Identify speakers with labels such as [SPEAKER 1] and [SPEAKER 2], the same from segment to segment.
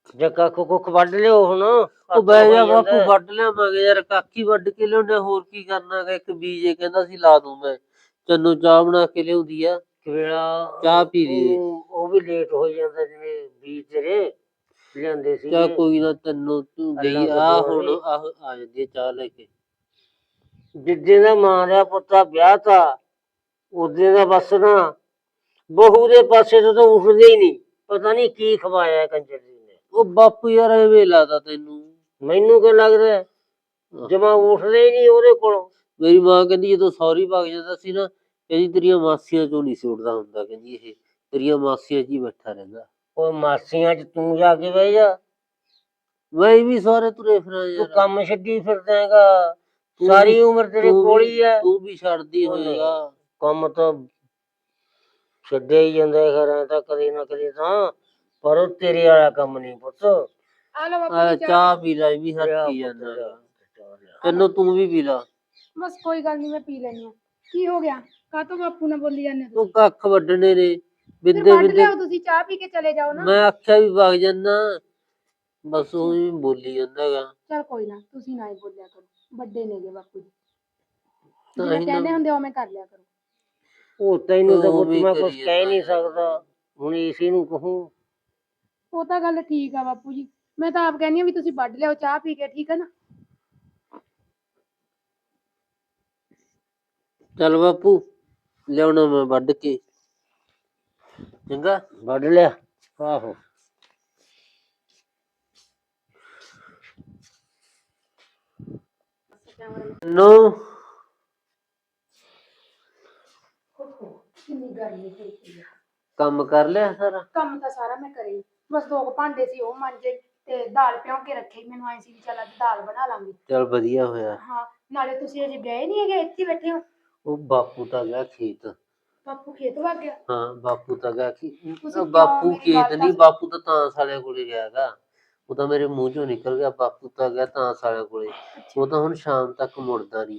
[SPEAKER 1] ਜੇ ਕੱਖ ਕੁੱਖ ਵੱਢ ਲਿਓ ਹੁਣ।
[SPEAKER 2] ਉਹ ਬਹਿ ਜਾ ਬਾਪੂ, ਵੱਢ ਲਿਆਵਾਂਗੇ ਯਾਰ, ਕਾਕੀ ਵੱਢ ਕੇ ਲਿਆਉਂਦੇ, ਹੋਰ ਕੀ ਕਰਨਾ ਗਾ। ਇੱਕ ਬੀਜੇ ਕਹਿੰਦਾ ਸੀ ਲਾ ਦੂੰ ਮੈਂ, ਤੈਨੂੰ ਚਾਹ ਬਣਾ ਕੇ ਲਿਆਉਂਦੀ ਆ, ਵੇਲਾ ਚਾਹ ਪੀ ਲਈ।
[SPEAKER 1] ਉਹ ਵੀ ਲੇਟ ਹੋ ਜਾਂਦਾ ਜਿਵੇਂ ਬੀਜ ਤੇਰੇ ਲਿਆਂਦੇ ਸੀ।
[SPEAKER 2] ਚਾਹ ਕੋਈ ਨਾ, ਤੈਨੂੰ ਤੂੰ ਗਈ ਆ ਹੁਣ ਆ ਜਾਂਦੀ ਚਾਹ ਲੈ ਕੇ।
[SPEAKER 1] ਜਿੱਦੇ ਦਾ ਮਾਂ ਦਾ ਪੁੱਤਾ ਵਿਆਹ ਤਾ ਉਦੇ ਦਾ ਬਸ ਨਾ ਬਹੂ ਦੇ ਪਾਸੇ ਤੋਂ ਤਾਂ ਉੱਠਦੇ ਹੀ ਨਹੀਂ। ਪਤਾ ਨਹੀਂ ਕੀ ਖਵਾਇਆ ਕੰਜਰ ਜੀ ਨੇ।
[SPEAKER 2] ਉਹ ਬਾਪੂ ਯਾਰ ਐਵੇਂ ਲੱਗਦਾ ਤੈਨੂੰ?
[SPEAKER 1] ਮੈਨੂੰ ਕੀ ਲੱਗਦਾ, ਜਮਾ ਉੱਠਦੇ ਹੀ ਨਹੀਂ ਉਹਦੇ ਕੋਲੋਂ।
[SPEAKER 2] ਮੇਰੀ ਮਾਂ ਕਹਿੰਦੀ ਜਦੋਂ ਸੌਰੀ ਭੱਗ ਜਾਂਦਾ ਸੀ ਨਾ, ਕਹਿੰਦੀ ਤੇਰੀਆਂ ਮਾਸੀਆਂ ਚੋਂ ਨਹੀਂ ਸੀ ਉੱਠਦਾ ਹੁੰਦਾ, ਕਹਿੰਦੀ ਇਹ ਤੇਰੀਆਂ ਮਾਸੀਆਂ ਚ ਹੀ ਬੈਠਾ ਰਹਿੰਦਾ।
[SPEAKER 1] ਉਹ ਮਾਸੀਆਂ ਚ ਤੂੰ ਜਾ ਕੇ ਬਹਿ ਜਾ,
[SPEAKER 2] ਮੈਂ ਵੀ ਸਾਰੇ ਤੁਰੇ ਫਿਰਾਂ ਯਾਰ।
[SPEAKER 1] ਤੂੰ ਕੰਮ ਛੱਡੀ ਫਿਰਦਾ ਹੈਗਾ, ਸਾਰੀ ਉਮਰ ਤੇਰੇ ਕੋਲ ਹੀ ਹੈ।
[SPEAKER 2] ਤੂੰ ਵੀ ਛੱਡਦੀ ਹੋਏਗਾ
[SPEAKER 1] ਕੰਮ ਤਾਂ ਛੱਡਿਆ ਹੀ ਜਾਂਦਾ ਘਰਾਂ ਤਾਂ ਕਦੇ ਨਾ ਕਦੇ ਤਾਂ, ਪਰ ਉਹ ਤੇਰੇ ਵਾਲਾ ਕੰਮ ਨਹੀਂ ਪੁੱਤ।
[SPEAKER 2] ਚਾਹ ਪੀ ਲੈ, ਵੀ ਹੱਥੀ ਜਾਂਦਾ, ਤੈਨੂੰ ਤੂੰ ਵੀ ਪੀ ਲਾ।
[SPEAKER 3] ਬਸ ਕੋਈ ਗੱਲ ਨਹੀਂ, ਮੈਂ ਪੀ ਲੈਣੀ ਆ। ਕੀ ਹੋ ਗਿਆ, ਕਾਹਤੋਂ ਬਾਪੂ ਨਾਲ ਬੋਲੀ ਜਾਂਦੇ
[SPEAKER 2] ਤੂੰ ਕੱਖ ਵੱਢਣੇ ਨੇ,
[SPEAKER 3] ਬਿੰਦੇ ਬਿੰਦੇ ਤੁਸੀਂ ਚਾਹ ਪੀ ਕੇ ਚਲੇ ਜਾਓ ਨਾ।
[SPEAKER 2] ਮੈਂ ਆਖਿਆ ਵੀ ਵਗ ਜਾਨਾ, ਬਸ ਉਹ ਹੀ ਬੋਲੀ ਜਾਂਦਾ ਗਾ।
[SPEAKER 3] ਚਲ ਕੋਈ ਨਾ, ਤੁਸੀਂ ਨਾ ਹੀ ਬੋਲਿਆ ਕਰੋ, ਵੱਡੇ ਨੇਗੇ ਬਾਪੂ ਜੀ, ਜਿਵੇਂ ਕਹਿੰਦੇ ਹੁੰਦੇ ਉਵੇਂ ਕਰ ਲਿਆ ਕਰੋ।
[SPEAKER 1] ਉਹ ਤੈਨੂੰ ਤਾਂ ਮੈਂ ਕੁਝ ਕਹਿ ਨਹੀਂ ਸਕਦਾ, ਹੁਣ ਇਸੇ ਨੂੰ ਕਹੂੰ।
[SPEAKER 3] ਉਹ ਤਾਂ ਗੱਲ ਠੀਕ ਆ ਬਾਪੂ ਜੀ, ਮੈਂ ਤਾਂ ਆਪ ਕਹਿੰਦੀ ਆ ਵੀ ਤੁਸੀਂ ਵੱਢ ਲਿਆਓ ਚਾਹ ਪੀ ਕੇ, ਠੀਕ ਹੈ ਨਾ।
[SPEAKER 2] ਚੱਲ ਬਾਪੂ, ਲਿਆਉਣਾ ਮੈਂ ਵੱਢ ਕੇ, ਚੰਗਾ।
[SPEAKER 1] ਵੱਢ ਲਿਆ। ਆਹੋ
[SPEAKER 2] ਨੋ
[SPEAKER 3] ਕਿੰਨੀ ਗਰਮੀ ਹੋਈ ਪਈ ਆ।
[SPEAKER 2] ਕੰਮ ਕਰ ਲਿਆ ਸਾਰਾ?
[SPEAKER 3] ਕੰਮ ਤਾਂ ਸਾਰਾ ਮੈਂ ਕਰੀ, ਬਸ 2 ਭਾਂਡੇ ਸੀ ਉਹ ਮਾਂਜੇ ਤੇ ਦਾਲ ਭਿਉਂ ਕੇ ਰੱਖੀ। ਮੈਨੂੰ ਆਈ ਸੀ ਵੀ ਚੱਲ ਅੱਜ ਦਾਲ ਬਣਾ ਲਾਂਗੀ।
[SPEAKER 2] ਚੱਲ ਵਧੀਆ ਹੋਇਆ।
[SPEAKER 3] ਹਾਂ, ਨਾਲੇ ਤੁਸੀਂ ਅਜੇ ਗਏ ਨਹੀਂ ਹੈਗੇ, ਇੱਥੇ ਬੈਠੇ ਹੋ?
[SPEAKER 2] ਉਹ ਬਾਪੂ ਤਾਂ ਗਿਆ ਖੇਤ।
[SPEAKER 3] ਬਾਪੂ ਖੇਤ ਵਗ ਗਿਆ?
[SPEAKER 2] ਹਾਂ ਬਾਪੂ ਤਾਂ ਗਿਆ ਬਾਪੂ ਖੇਤ ਨਹੀਂ, ਬਾਪੂ ਤਾਂ ਤਾਂਸ ਵਾਲਿਆਂ ਕੋਲੇ ਗਿਆ ਗਾ। ਉਹ ਤਾਂ ਮੇਰੇ ਮੂੰਹ ਚੋਂ ਨਿਕਲ ਗਿਆ, ਬਾਪੂ ਤਾਂ ਗਿਆ ਤਾਂਸ ਵਾਲਿਆਂ ਕੋਲੇ। ਉਹ ਤਾਂ ਹੁਣ ਸ਼ਾਮ ਤੱਕ ਮੁੜਦਾ ਨਹੀਂ।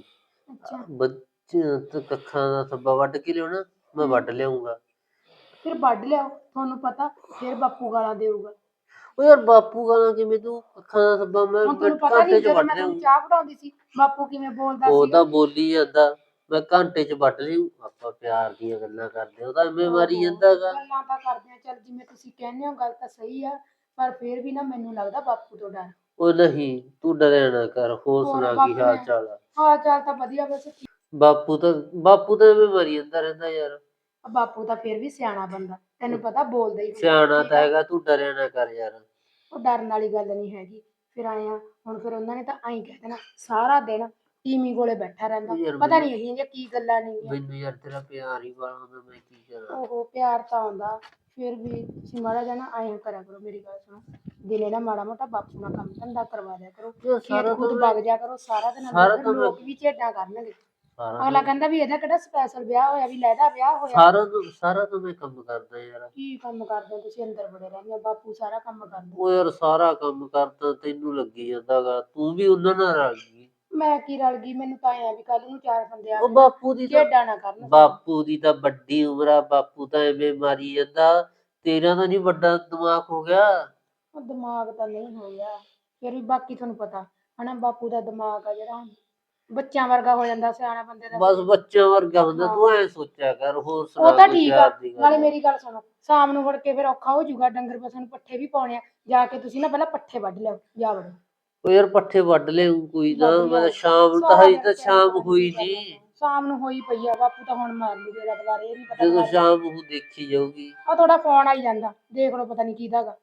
[SPEAKER 2] ਕੱਖਾਂ ਦਾ ਸੱਬਾ ਵੱਢ ਕੇ ਲਿਆਉਣਾ, ਮੈਂ ਵੱਢ ਲਿਆਉਂਗਾ।
[SPEAKER 3] ਫਿਰ ਵੱਢ ਲਿਆਓ, ਤੁਹਾਨੂੰ ਪਤਾ ਫਿਰ ਬਾਪੂ ਗਾਲਾਂ ਦੇਊਗਾ।
[SPEAKER 2] ਉਹ ਯਾਰ ਬਾਪੂ ਗਾਲਾਂ ਕਿਵੇਂ, ਤੂੰ ਅੱਖਾਂ ਦਾ ਸੱਬਾ ਮੈਂ ਘੰਟੇ ਚ ਵੱਢ ਲਿਆਉਂ।
[SPEAKER 3] ਚਾਹ ਬਣਾਉਂਦੀ ਸੀ ਬਾਪੂ ਕਿਵੇਂ ਬੋਲਦਾ ਸੀ।
[SPEAKER 2] ਉਹ ਤਾਂ ਬੋਲੀ ਜਾਂਦਾ, ਮੈਂ ਘੰਟੇ ਚ ਵੱਢ ਲਿਆਉ। ਆਪਾਂ ਪਿਆਰ ਦੀਆਂ ਗੱਲਾਂ ਕਰਦੇ, ਉਹ ਤਾਂ ਐਵੇਂ ਮਾਰੀ ਜਾਂਦਾ ਗਾ।
[SPEAKER 3] ਗੱਲਾਂ ਤਾਂ ਕਰਦੇ ਆ, ਚੱਲ ਜਿਵੇਂ ਤੁਸੀਂ ਕਹਿੰਦੇ ਹੋ ਗੱਲ ਤਾਂ ਸਹੀ ਆ, ਪਰ ਫਿਰ ਵੀ ਨਾ ਮੈਨੂੰ ਲੱਗਦਾ ਬਾਪੂ ਤੋਂ ਡਰ।
[SPEAKER 2] ਉਹ ਨਹੀਂ, ਤੂੰ ਡਰਿਆ ਨਾ ਕਰ। ਹੋਰ ਸੁਣਾ ਕੀ ਹਾਲ ਚਾਲ ਆ?
[SPEAKER 3] ਹਾਲ ਚਾਲ ਤਾਂ ਵਧੀਆ, ਬਸ
[SPEAKER 2] ਬਾਪੂ ਤਾਂ ਐਵੇਂ ਮਰੀ ਜਾਂਦਾ ਰਹਿੰਦਾ ਯਾਰ।
[SPEAKER 3] ਬਾਪੂ ਤਾਂ ਫਿਰ ਵੀ ਸਿਆਣਾ ਬੰਦਾ, ਤੈਨੂੰ ਪਤਾ ਬੋਲਦਾ ਹੀ
[SPEAKER 2] ਸਿਆਣਾ ਤਾਂ ਹੈਗਾ, ਤੂੰ ਡਰਿਆ ਨਾ ਕਰ ਯਾਰ।
[SPEAKER 3] ਉਹ ਡਰਨ ਵਾਲੀ ਗੱਲ ਨਹੀਂ ਹੈਗੀ। ਫਿਰ ਆਇਆ ਹੁਣ, ਫਿਰ ਉਹਨਾਂ ਨੇ ਤਾਂ ਐਂ ਕਹਿ ਦੇਣਾ ਸਾਰਾ ਦਿਨ ਟੀਮੀ ਕੋਲੇ ਬੈਠਾ ਰਹਿੰਦਾ, ਪਤਾ ਨਹੀਂ ਇਹ ਕੀ ਗੱਲਾਂ ਨੇ।
[SPEAKER 2] ਮੈਨੂੰ ਯਾਰ ਤੇਰਾ ਪਿਆਰ ਹੀ ਬੜਾ ਹੁੰਦਾ, ਮੈਂ ਕੀ ਕਰਾਂ।
[SPEAKER 3] ਉਹ ਪਿਆਰ ਤਾਂ ਆਉਂਦਾ, ਫਿਰ ਵੀ ਤੁਸੀਂ ਮਾੜਾ ਜਿਹਾ ਨਾ ਐਂ ਕਰਿਆ ਕਰੋ, ਮੇਰੀ ਗੱਲ ਸੁਣੋ, ਦਿਨੇ ਨਾ ਮਾੜਾ ਮੋਟਾ ਬਾਪੂ ਨਾਲ ਕੰਮ ਧੰਦਾ ਕਰਵਾ ਦਿਆ ਕਰੋ, ਖੇਤ ਖੂਤ ਵਗ ਜਾ ਕਰੋ ਸਾਰਾ ਦਿਨ। ਲੋਕ ਵੀ ਝੇਡਾਂ ਕਰਨਗੇ, ਅਗਲਾ ਕਹਿੰਦਾ ਵੀ ਇਹਦਾ ਕਿਹੜਾ ਸਪੈਸ਼ਲ ਵਿਆਹ ਹੋਇਆ, ਵੀ ਲੈਦਾ ਵਿਆਹ ਹੋਇਆ।
[SPEAKER 2] ਸਾਰਾ ਤਾਂ ਮੈਂ ਕੰਮ ਕਰਦਾ ਯਾਰ।
[SPEAKER 3] ਕੀ ਕੰਮ ਕਰਦੇ ਤੁਸੀਂ? ਅੰਦਰ ਬੜੇ ਰਹਿੰਦੇ ਹੋ, ਬਾਪੂ ਸਾਰਾ ਕੰਮ ਕਰਦਾ।
[SPEAKER 2] ਉਹ ਯਾਰ ਸਾਰਾ ਕੰਮ ਕਰਦਾ, ਤੈਨੂੰ ਲੱਗੀ ਜਾਂਦਾ ਗਾ, ਤੂੰ ਵੀ ਉਹਨਾਂ ਨਾਲ ਰਲ ਗਈ।
[SPEAKER 3] ਮੈਂ ਕੀ ਰਲ ਗਈ, ਮੈਨੂੰ ਤਾਂ ਐਂ ਵੀ ਕੱਲ ਨੂੰ 4 ਬੰਦੇ ਆ
[SPEAKER 2] ਬਾਪੂ ਦੀ
[SPEAKER 3] ਝੇਡਾਂ ਨਾ ਕਰਨ।
[SPEAKER 2] ਬਾਪੂ ਦੀ ਤਾਂ ਵੱਡੀ ਉਮਰ ਆ, ਬਾਪੂ ਤਾਂ ਐਵੇਂ ਮਾਰੀ ਜਾਂਦਾ। ਤੇਰਾ ਤਾਂ ਨਹੀਂ ਵੱਡਾ ਦਿਮਾਗ ਹੋ ਗਿਆ?
[SPEAKER 3] ਉਹ ਦਿਮਾਗ ਤਾਂ ਨਹੀਂ ਹੋ ਗਿਆ, ਫਿਰ ਵੀ ਬਾਕੀ ਤੁਹਾਨੂੰ ਪਤਾ ਹਨਾ, ਬਾਪੂ ਦਾ ਦਿਮਾਗ ਆ ਜਿਹੜਾ ਬੱਚਿਆਂ ਵਰਗਾ ਹੋ ਜਾਂਦਾ, ਸਿਆਣਾ ਬੰਦੇ ਦਾ
[SPEAKER 2] ਬਸ ਬੱਚਿਆਂ ਵਰਗਾ ਹੁੰਦਾ। ਤੂੰ ਐ ਸੋਚਿਆ ਕਰ। ਹੋਰ ਸੁਣਾ?
[SPEAKER 3] ਉਹ ਤਾਂ ਠੀਕ ਆ, ਨਾਲੇ ਮੇਰੀ ਗੱਲ ਸੁਣੋ, ਸ਼ਾਮ ਨੂੰ ਮੁੜ ਕੇ ਫਿਰ ਔਖਾ ਹੋ ਜਾਊਗਾ, ਡੰਗਰ ਪਸ਼ੂ ਨੂੰ ਪੱਠੇ ਵੀ ਪਾਉਣੇ ਆ, ਜਾ ਕੇ ਤੁਸੀਂ ਨਾ ਪਹਿਲਾਂ ਪੱਠੇ ਵੱਢ ਲਿਓ, ਜਾ ਵੜੋ।
[SPEAKER 2] ਉਹ ਯਾਰ ਪੱਠੇ ਵੱਢ ਲਿਆ ਕੋਈ ਨਾ, ਮੈਂ ਸ਼ਾਮ ਨੂੰ ਤਾਂ ਹਜੇ ਤਾਂ ਸ਼ਾਮ ਹੋਈ ਨਹੀਂ।
[SPEAKER 3] ਸ਼ਾਮ ਨੂੰ ਹੋਈ ਪਈ ਆ, ਬਾਪੂ ਤਾਂ ਹੁਣ ਮਾਰ ਲੂ ਤੇਰਾ ਦੁਬਾਰੇ, ਇਹ ਨਹੀਂ ਪਤਾ
[SPEAKER 2] ਜਦੋਂ ਸ਼ਾਮ ਨੂੰ ਦੇਖੀ ਜਾਊਗੀ।
[SPEAKER 3] ਆ ਤੁਹਾਡਾ ਫੋਨ ਆਈ ਜਾਂਦਾ, ਦੇਖ ਲਓ, ਪਤਾ ਨਹੀਂ ਕਿਹਦਾ ਗਾ,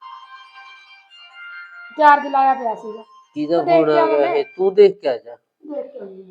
[SPEAKER 3] ਚਾਰਜ ਲਾਇਆ ਪਿਆ ਸੀਗਾ।
[SPEAKER 2] ਕਿਹਦਾ ਫੋਨ ਆ ਗਿਆ ਇਹ? ਤੂੰ ਦੇਖ ਕੇ ਆ ਜਾ।
[SPEAKER 3] ਦੇਖ ਕੇ ਆਉਂਦੀ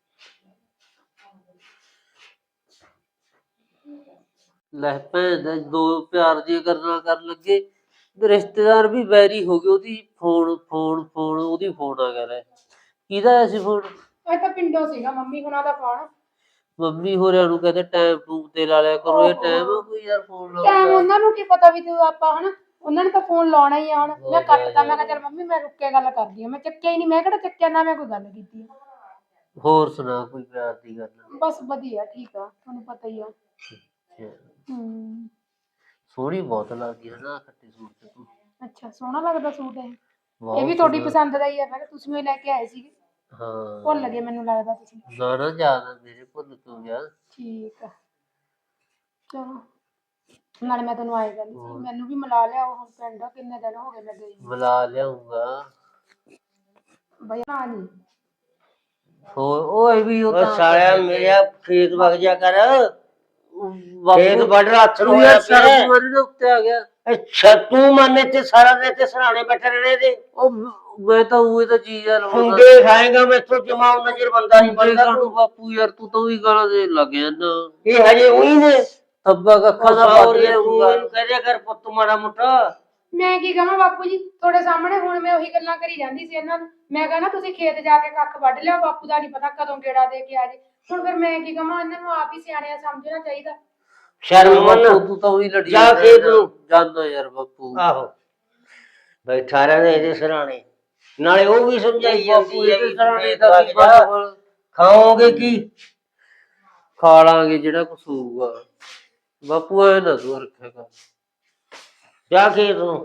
[SPEAKER 2] ਲੈ ਭੈਣ ਦਾ, 2 ਪਿਆਰ ਦੀਆਂ ਗੱਲਾਂ ਕਰਨ ਲੱਗੇ, ਰਿਸ਼ਤੇਦਾਰ ਵੀ ਵੈਰੀ ਹੋ ਗਏ। ਉਹਦੀ ਫੋਨ ਉਹਦੀ ਫੋਨ ਆ ਗਿਆ। ਕਿਹਦਾ ਆਇਆ ਸੀ ਫੋਨ?
[SPEAKER 3] ਇਹ ਤਾਂ ਪਿੰਡੋਂ ਸੀਗਾ, ਮੰਮੀ ਹੁਣਾਂ ਦਾ ਫੋਨ।
[SPEAKER 2] ਮੰਮੀ ਹੋਰਿਆਂ ਨੂੰ ਕਹਿੰਦੇ ਟਾਈਮ ਟੂਮ ਤੇ ਲਾ ਲਿਆ ਕਰੋ। ਇਹ ਟਾਈਮ ਆ ਕੋਈ ਯਾਰ ਫੋਨ ਲਾਉਣ
[SPEAKER 3] ਦਾ? ਉਹਨਾਂ ਨੂੰ ਕੀ ਪਤਾ ਵੀ ਤੂੰ ਆਪਾਂ ਹਨਾ, ਉਹਨਾਂ ਨੇ ਤਾਂ ਫੋਨ ਲਾਉਣਾ ਹੀ ਆ। ਹੁਣ ਮੈਂ ਕੱਟਤਾ, ਮੈਂ ਕਿਹਾ ਚੱਲ ਮੰਮੀ ਮੈਂ ਰੁੱਕ ਕੇ ਗੱਲ ਕਰਦੀ ਆ, ਮੈਂ ਚੱਕਿਆ ਹੀ ਨਹੀਂ। ਮੈਂ ਕਿਹੜਾ ਚੱਕਿਆ, ਨਾ ਮੈਂ ਕੋਈ ਗੱਲ ਕੀਤੀ।
[SPEAKER 2] ਹੋਰ ਸੁਣਾ ਕੋਈ ਪਿਆਰ ਦੀ ਗੱਲ?
[SPEAKER 3] ਬਸ ਵਧੀਆ, ਠੀਕ ਆ, ਤੁਹਾਨੂੰ ਪਤਾ ਹੀ ਆ।
[SPEAKER 2] ਸੋਹਣੀ ਬਹੁਤ ਲੱਗਦੀ ਹੈ ਨਾ ਖੱਟੀ ਸੂਟ ਤੇ ਤੂੰ।
[SPEAKER 3] ਅੱਛਾ ਸੋਹਣਾ ਲੱਗਦਾ ਸੂਟ ਇਹ
[SPEAKER 2] ਬਹੁਤ
[SPEAKER 3] ਵੀ ਤੁਹਾਡੀ
[SPEAKER 2] ਸੋਹਣਾ।
[SPEAKER 3] ਪਸੰਦ ਦਾ ਹੀ ਹੈ ਫਿਰ ਤੁਸੀਂ ਉਹ ਲੈ ਕੇ ਆਏ ਸੀਗੇ
[SPEAKER 2] ਹਾਂ
[SPEAKER 3] ਭੁੱਲ ਗਏ ਮੈਨੂੰ ਲੱਗਦਾ ਤੁਸੀਂ
[SPEAKER 2] ਨਾ ਨਾ ਯਾਦ ਮੇਰੇ ਭੁੱਲ ਕਿਉਂ ਗਿਆ।
[SPEAKER 3] ਠੀਕ ਆ ਚਲੋ ਨਾਲੇ ਮੈਂ ਤੈਨੂੰ ਆਏ ਕਹਿੰਦੀ ਸੀ ਮੈਨੂੰ ਵੀ ਮਿਲਾ ਲਿਆ ਹੁਣ ਪਿੰਡ ਕਿੰਨੇ ਦਿਨ ਹੋ ਗਏ ਮੈਂ ਗਈ ਨੀ।
[SPEAKER 2] ਮਿਲਾ ਲਿਆਉਂਗਾ।
[SPEAKER 3] ਬਈ ਨਾ ਨਹੀਂ
[SPEAKER 2] ਹੋਰ ਓਏ ਵੀ ਉਹ
[SPEAKER 1] ਉਹ
[SPEAKER 2] ਤਾਂ
[SPEAKER 1] ਸਾਲਿਆ ਮੇਰਾ ਖੇਤ ਵਗ ਜਾ ਕਰ ਖੇਤ
[SPEAKER 2] ਬਾਪੂ
[SPEAKER 1] ਵੱਢ ਹੱਥ ਨੂੰ
[SPEAKER 2] ਤੂੰ
[SPEAKER 1] ਹੋਇਆ
[SPEAKER 2] ਯਾਰ
[SPEAKER 1] ਪਿਆ
[SPEAKER 2] ਸ਼ਰਮ ਮਾਰੀ ਦੇ ਉੱਤੇ ਆ ਗਿਆ।
[SPEAKER 1] ਅੱਛਾ ਤੂੰ ਮੰਨੇ ਤੇ ਸਾਰਾ ਦਿਨ ਤੇ ਸਰਾਣੇ ਬੈਠੇ ਰਹਿਣੇ ਦੇ
[SPEAKER 2] ਉਹ ਮੈਂ ਤਾਂ ਉਹੀ ਤਾਂ ਚੀਜ਼ ਆ
[SPEAKER 1] ਫੁੰਡੇ ਖਾਏਗਾ ਮੈਥੋਂ ਜਮਾਉ ਨਜ਼ਰ ਬੰਦਾ ਨਹੀਂ ਬਣਦਾ
[SPEAKER 2] ਕਾਟੂ ਬਾਪੂ ਯਾਰ ਤੂੰ ਤਾਂ ਉਹੀ ਗਾਲਾਂ ਦੇ ਲੱਗ ਜਾਂਦਾ।
[SPEAKER 1] ਇਹ ਹਜੇ ਉਹੀ ਨੇ
[SPEAKER 2] ਤੱਬਾ ਕੱਖਾਂ ਦਾ ਵੱਢ ਲਿਆਉਂਗਾ।
[SPEAKER 1] ਤੂੰ ਕਹਿ ਕਰ ਪੁੱਤ ਮਾੜਾ ਮੋਟਾ
[SPEAKER 3] ਮੈਂ ਕੀ ਕਹਾਂ ਬਾਪੂ ਜੀ ਤੁਹਾਡੇ ਸਾਹਮਣੇ ਹੁਣ ਮੈਂ ਉਹੀ ਗੱਲਾਂ ਕਰੀ ਜਾਂਦੀ ਸੀ ਇਹਨਾਂ ਨੂੰ ਮੈਂ ਕਹਾਂ ਤੁਸੀਂ ਖੇਤ ਜਾ ਕੇ ਕੱਖ ਵੱਢ ਲਿਓ ਬਾਪੂ ਦਾ ਨਹੀਂ ਪਤਾ ਕਦੋਂ ਗੇੜਾ ਦੇ ਕੇ ਆ ਜੇ ਹੁਣ ਫਿਰ ਮੈਂ ਕੀ ਕਹਾਂ ਇਹਨਾਂ ਨੂੰ ਆਪ ਹੀ ਸਿਆਣਿਆ ਸਮਝਣਾ ਚਾਹੀਦਾ
[SPEAKER 1] ਸ਼ਰਮ ਮੰਨ
[SPEAKER 2] ਤੂੰ ਤਾਂ ਉਹੀ ਲੜੀ
[SPEAKER 1] ਜਾ ਖੇਤ ਨੂੰ
[SPEAKER 2] ਜਾਂਦਾ ਯਾਰ ਬਾਪੂ।
[SPEAKER 1] ਆਹੋ ਬੈਠਾ ਰਹਿੰਦੇ ਇਹਦੇ ਸਰਾਣੇ ਨਾਲੇ ਉਹ ਵੀ ਸਮਝਾਈ ਜਾਂਦੀ ਹੈ
[SPEAKER 2] ਇਹਦੇ
[SPEAKER 1] ਵੀ
[SPEAKER 2] ਸਰਾਣੇ
[SPEAKER 1] ਖੇਤ
[SPEAKER 2] ਦਾ
[SPEAKER 1] ਵਗ
[SPEAKER 2] ਕੀ
[SPEAKER 1] ਜਾ,
[SPEAKER 2] ਬਣੂਗਾ?
[SPEAKER 1] ਖਾਓਗੇ ਕੀ
[SPEAKER 2] ਖਾ ਲਾਂਗੇ ਜਿਹੜਾ ਕੁਛ ਹੋਊਗਾ। ਬਾਪੂ ਐ ਨਾ ਤੂੰ ਰੱਖੇਗਾ।
[SPEAKER 1] ਜਾ ਖੇਤ ਨੂੰ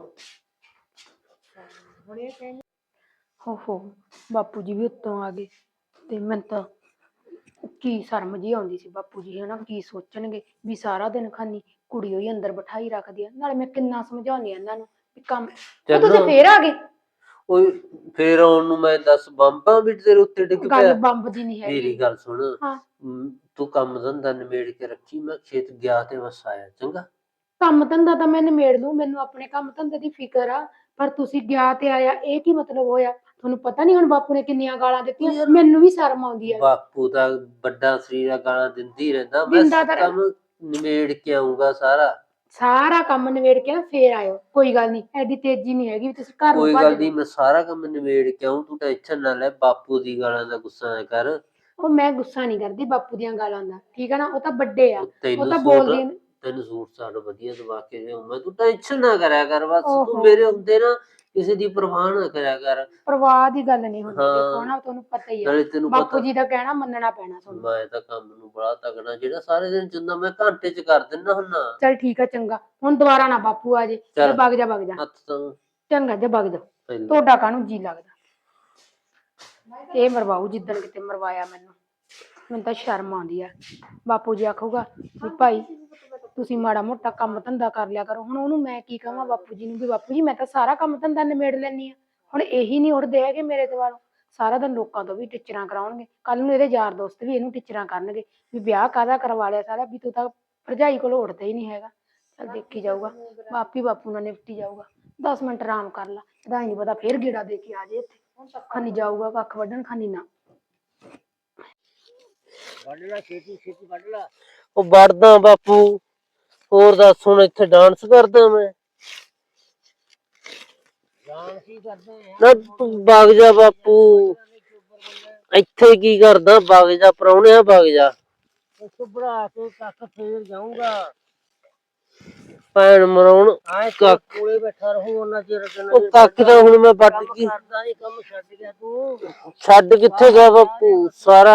[SPEAKER 3] ਹੋ ਬਾਪੂ ਜੀ ਵੀ ਉੱਤੋਂ ਆ ਗਏ ਤੇ ਮੈਨੂੰ ਤਾਂ ਕੀ ਸ਼ਰਮ ਜੀ ਆਉਂਦੀ ਸੀ ਬਾਪੂ ਜੀ ਹਨਾ ਕੀ ਸੋਚਣਗੇ ਵੀ ਸਾਰਾ ਦਿਨ ਖਾਨੀ ਕੁੜੀ ਹੋਈ ਅੰਦਰ ਬਿਠਾਈ ਰੱਖਦੀ ਆ ਨਾਲੇ ਮੈਂ ਕਿੰਨਾ ਸਮਝਾਉਂਦੀ ਆ ਇਹਨਾਂ ਨੂੰ ਵੀ ਕੰਮ ਉਹ ਤੁਸੀਂ ਫੇਰ ਆ ਗਏ
[SPEAKER 2] ਓਏ ਫੇਰ ਆਉਣ ਨੂੰ ਮੈਂ 10 ਬੰਬਾਂ ਵੀ ਤੇਰੇ ਉੱਤੇ ਡਿੱਗ
[SPEAKER 3] ਗੱਲ
[SPEAKER 2] ਪਿਆ।
[SPEAKER 3] ਬੰਬ ਦੀ ਨਹੀਂ ਹੈਗੀ
[SPEAKER 2] ਮੇਰੀ ਗੱਲ ਸੁਣ
[SPEAKER 3] ਹਾਂ
[SPEAKER 2] ਤੂੰ ਕੰਮ ਧੰਦਾ ਨਿਬੇੜ ਕੇ ਰੱਖੀ ਮੈਂ ਖੇਤ ਗਿਆ ਤੇ ਬਸ ਆਇਆ ਚੰਗਾ।
[SPEAKER 3] ਕੰਮ ਧੰਦਾ ਤਾਂ ਮੈਂ ਨਿਮੇੜ ਲੂੰ ਮੈਨੂੰ ਆਪਣੇ ਕੰਮ ਧੰਦੇ ਦੀ ਫਿਕਰ ਆ ਪਰ ਤੁਸੀਂ ਗਿਆ ਤੇ ਆਇਆ ਇਹ ਕੀ ਮਤਲਬ ਹੋਇਆ ਤੁਹਾਨੂੰ ਪਤਾ ਨਹੀਂ ਹੁਣ ਬਾਪੂ ਨੇ ਕਿੰਨੀਆਂ ਗਾਲਾਂ ਦਿੱਤੀਆਂ ਮੈਨੂੰ ਵੀ ਸ਼ਰਮ ਆਉਂਦੀ ਆ
[SPEAKER 2] ਬਾਪੂ ਦਾ ਵੱਡਾ ਸਰੀਰ ਆ ਗਾਲਾਂ ਦਿੰਦੀ ਰਹਿੰਦਾ ਮੈਂ
[SPEAKER 3] ਦਿੰਦਾ ਤਾਂ
[SPEAKER 2] ਕੰਮ ਨਿਬੇੜ ਕੇ ਆਉਂਗਾ
[SPEAKER 3] ਸਾਰਾ ਕੰਮ ਨਿਬੇੜ ਕੇ ਨਾ ਫੇਰ ਆਇਓ ਕੋਈ ਗੱਲ ਨਹੀਂ ਐਡੀ ਤੇਜ਼ੀ ਨਹੀਂ ਹੈਗੀ ਵੀ ਤੁਸੀਂ ਘਰ ਨੂੰ
[SPEAKER 2] ਕੋਈ
[SPEAKER 3] ਭੱਜ
[SPEAKER 2] ਗੱਲ
[SPEAKER 3] ਜਾਓ।
[SPEAKER 2] ਨਹੀਂ ਮੈਂ ਸਾਰਾ ਕੰਮ ਨਿਬੇੜ ਕੇ ਆਉਂ ਤੂੰ ਟੈਨਸ਼ਨ ਨਾ ਲੈ ਬਾਪੂ ਦੀ ਗਾਲਾਂ ਦਾ ਗੁੱਸਾ ਨਾ ਕਰ।
[SPEAKER 3] ਉਹ ਮੈਂ ਗੁੱਸਾ ਨਹੀਂ ਕਰਦੀ ਬਾਪੂ ਦੀਆਂ ਗਾਲਾਂ ਦਾ ਠੀਕ ਹੈ ਨਾ ਉਹ ਤਾਂ ਵੱਡੇ ਆ ਉਹ
[SPEAKER 2] ਤੈਨੂੰ
[SPEAKER 3] ਤਾਂ
[SPEAKER 2] ਸੂਟ
[SPEAKER 3] ਬੋਲਦੀ
[SPEAKER 2] ਤੈਨੂੰ ਸੂਟ ਸਾਟ ਵਧੀਆ ਦਵਾ ਕੇ ਦੇਉਂ ਤੂੰ ਟੈਨਸ਼ਨ ਨਾ ਕਰਿਆ ਕਰ ਬਸ ਤੂੰ
[SPEAKER 3] ਓਹੋ।
[SPEAKER 2] ਮੇਰੇ ਹੁੰਦੇ ਨਾ ਕਿਸੇ ਦੀ ਪਰਵਾਹ ਨਾ ਕਰਿਆ ਕਰ।
[SPEAKER 3] ਪਰਵਾਹ ਦੀ ਗੱਲ ਨਹੀਂ ਹੁੰਦੀ
[SPEAKER 2] ਹਾਂ।
[SPEAKER 3] ਦੇਖੋ ਨਾ ਤੁਹਾਨੂੰ ਪਤਾ ਹੀ ਆ
[SPEAKER 2] ਨਾਲੇ ਤੈਨੂੰ
[SPEAKER 3] ਬਾਪੂ
[SPEAKER 2] ਪਤਾ
[SPEAKER 3] ਜੀ ਦਾ ਕਹਿਣਾ ਮੰਨਣਾ ਪੈਣਾ ਤੁਹਾਨੂੰ
[SPEAKER 2] ਮੈਂ ਤਾਂ ਕੰਮ ਨੂੰ ਬੜਾ ਤਗੜਾ ਜਿਹੜਾ ਸਾਰੇ ਦਿਨ ਚੁੰਦਾ ਮੈਂ ਘੰਟੇ ਚ ਕਰ ਦਿੰਦਾ ਹੁੰਨਾ।
[SPEAKER 3] ਚਲ ਠੀਕ ਆ ਚੰਗਾ ਹੁਣ ਦੁਬਾਰਾ ਨਾ ਬਾਪੂ ਆ ਜੇ
[SPEAKER 2] ਚੱਲ।
[SPEAKER 3] ਵਗ ਜਾ
[SPEAKER 2] ਹੱਥ ਤਾਂ
[SPEAKER 3] ਚੰਗਾ ਜੇ ਵਗ ਜਾ
[SPEAKER 2] ਪਹਿਲਾਂ
[SPEAKER 3] ਤੁਹਾਡਾ ਕਾਹਨੂੰ ਜੀ ਲੱਗਦਾ ਇਹ ਮਰਵਾਊ ਜਿੱਦਣ ਕਿਤੇ ਮਰਵਾਇਆ ਮੈਨੂੰ ਤਾਂ ਸ਼ਰਮ ਆਉਂਦੀ ਆ ਬਾਪੂ ਜੀ ਆਖੂਗਾ ਵੀ ਭਾਈ ਤੁਸੀਂ ਮਾੜਾ ਮੋਟਾ ਕੰਮ ਧੰਦਾ ਕਰ ਲਿਆ ਕਰੋ ਹੁਣ ਉਹਨੂੰ ਮੈਂ ਕੀ ਕਹਾਂ ਬਾਪੂ ਜੀ ਨੂੰ ਵੀ ਬਾਪੂ ਜੀ ਮੈਂ ਤਾਂ ਸਾਰਾ ਕੰਮ ਧੰਦਾ ਨਿਬੇੜ ਲੈਣੀ ਆ ਹੁਣ ਇਹੀ ਨਹੀਂ ਉੱਠਦੇ ਹੈਗੇ ਮੇਰੇ ਦੁਆਲੋਂ ਸਾਰਾ ਦਿਨ ਲੋਕਾਂ ਤੋਂ ਵੀ ਟਿਚਰਾਂ ਕਰਾਉਣਗੇ ਕੱਲ ਨੂੰ ਇਹਦੇ ਯਾਰ ਦੋਸਤ ਵੀ ਇਹਨੂੰ ਟਿਚਰਾਂ ਕਰਨਗੇ ਵੀ ਵਿਆਹ ਕਾਹਦਾ ਕਰਵਾ ਲਿਆ ਸਾਰਾ ਵੀ ਤੂੰ ਤਾਂ ਭਰਜਾਈ ਕੋਲ ਉੱਠਦਾ ਹੀ ਨਹੀਂ ਹੈਗਾ ਚੱਲ ਦੇਖੀ ਜਾਊਗਾ ਬਾਪੂ ਨਾਲ ਨਿਪਟੀ ਜਾਊਗਾ 10 ਮਿੰਟ ਆਰਾਮ ਕਰ ਲਾ ਇਹਦਾ ਨਹੀਂ ਪਤਾ ਫੇਰ ਗੇੜਾ ਦੇ ਕੇ ਆ ਜੇ ਇੱਥੇ ਖਾਨੀ ਜਾਊਗਾ ਕੱਖ ਵੱਢਣ ਖਾਨੀ ਨਾ
[SPEAKER 1] ਵੱਢ ਲੈ ਛੇਤੀ ਛੇਤੀ ਵੱਢ ਲੈ
[SPEAKER 2] ਉਹ ਵੜਦਾ ਬਾਪੂ ਹੋਰ ਦੱਸ ਹੁਣ ਇੱਥੇ ਡਾਂਸ ਕਰਦਾ ਮੈਂ
[SPEAKER 1] ਡਾਂਸ ਹੀ ਕਰਦੇ ਆ
[SPEAKER 2] ਨਾ ਤੂੰ ਵਗ ਜਾ ਬਾਪੂ ਇੱਥੇ ਕੀ ਕਰਦਾ ਵਗ ਜਾ ਪ੍ਰਾਹੁਣਿਆ ਵਗ ਜਾ
[SPEAKER 1] ਉਸ ਭਰਾ ਕੇ ਕੱਖ ਫੇਰ ਜਾਊਂਗਾ
[SPEAKER 2] ਭੈਣ ਮਰਾਉਣ
[SPEAKER 1] ਆਏ
[SPEAKER 2] ਕੱਖ
[SPEAKER 1] ਕੋਲੇ ਬੈਠਾ ਰਹੂੰ ਉਹਨਾਂ ਚਿਰ
[SPEAKER 2] ਉਹ ਕੱਖ ਤਾਂ ਹੁਣ ਮੈਂ ਵੱਢ ਕੇ
[SPEAKER 1] ਕਰਦਾ ਇਹ ਕੰਮ ਛੱਡ ਗਿਆ ਤੂੰ
[SPEAKER 2] ਛੱਡ ਕਿੱਥੇ ਗਿਆ ਬਾਪੂ ਸਾਰਾ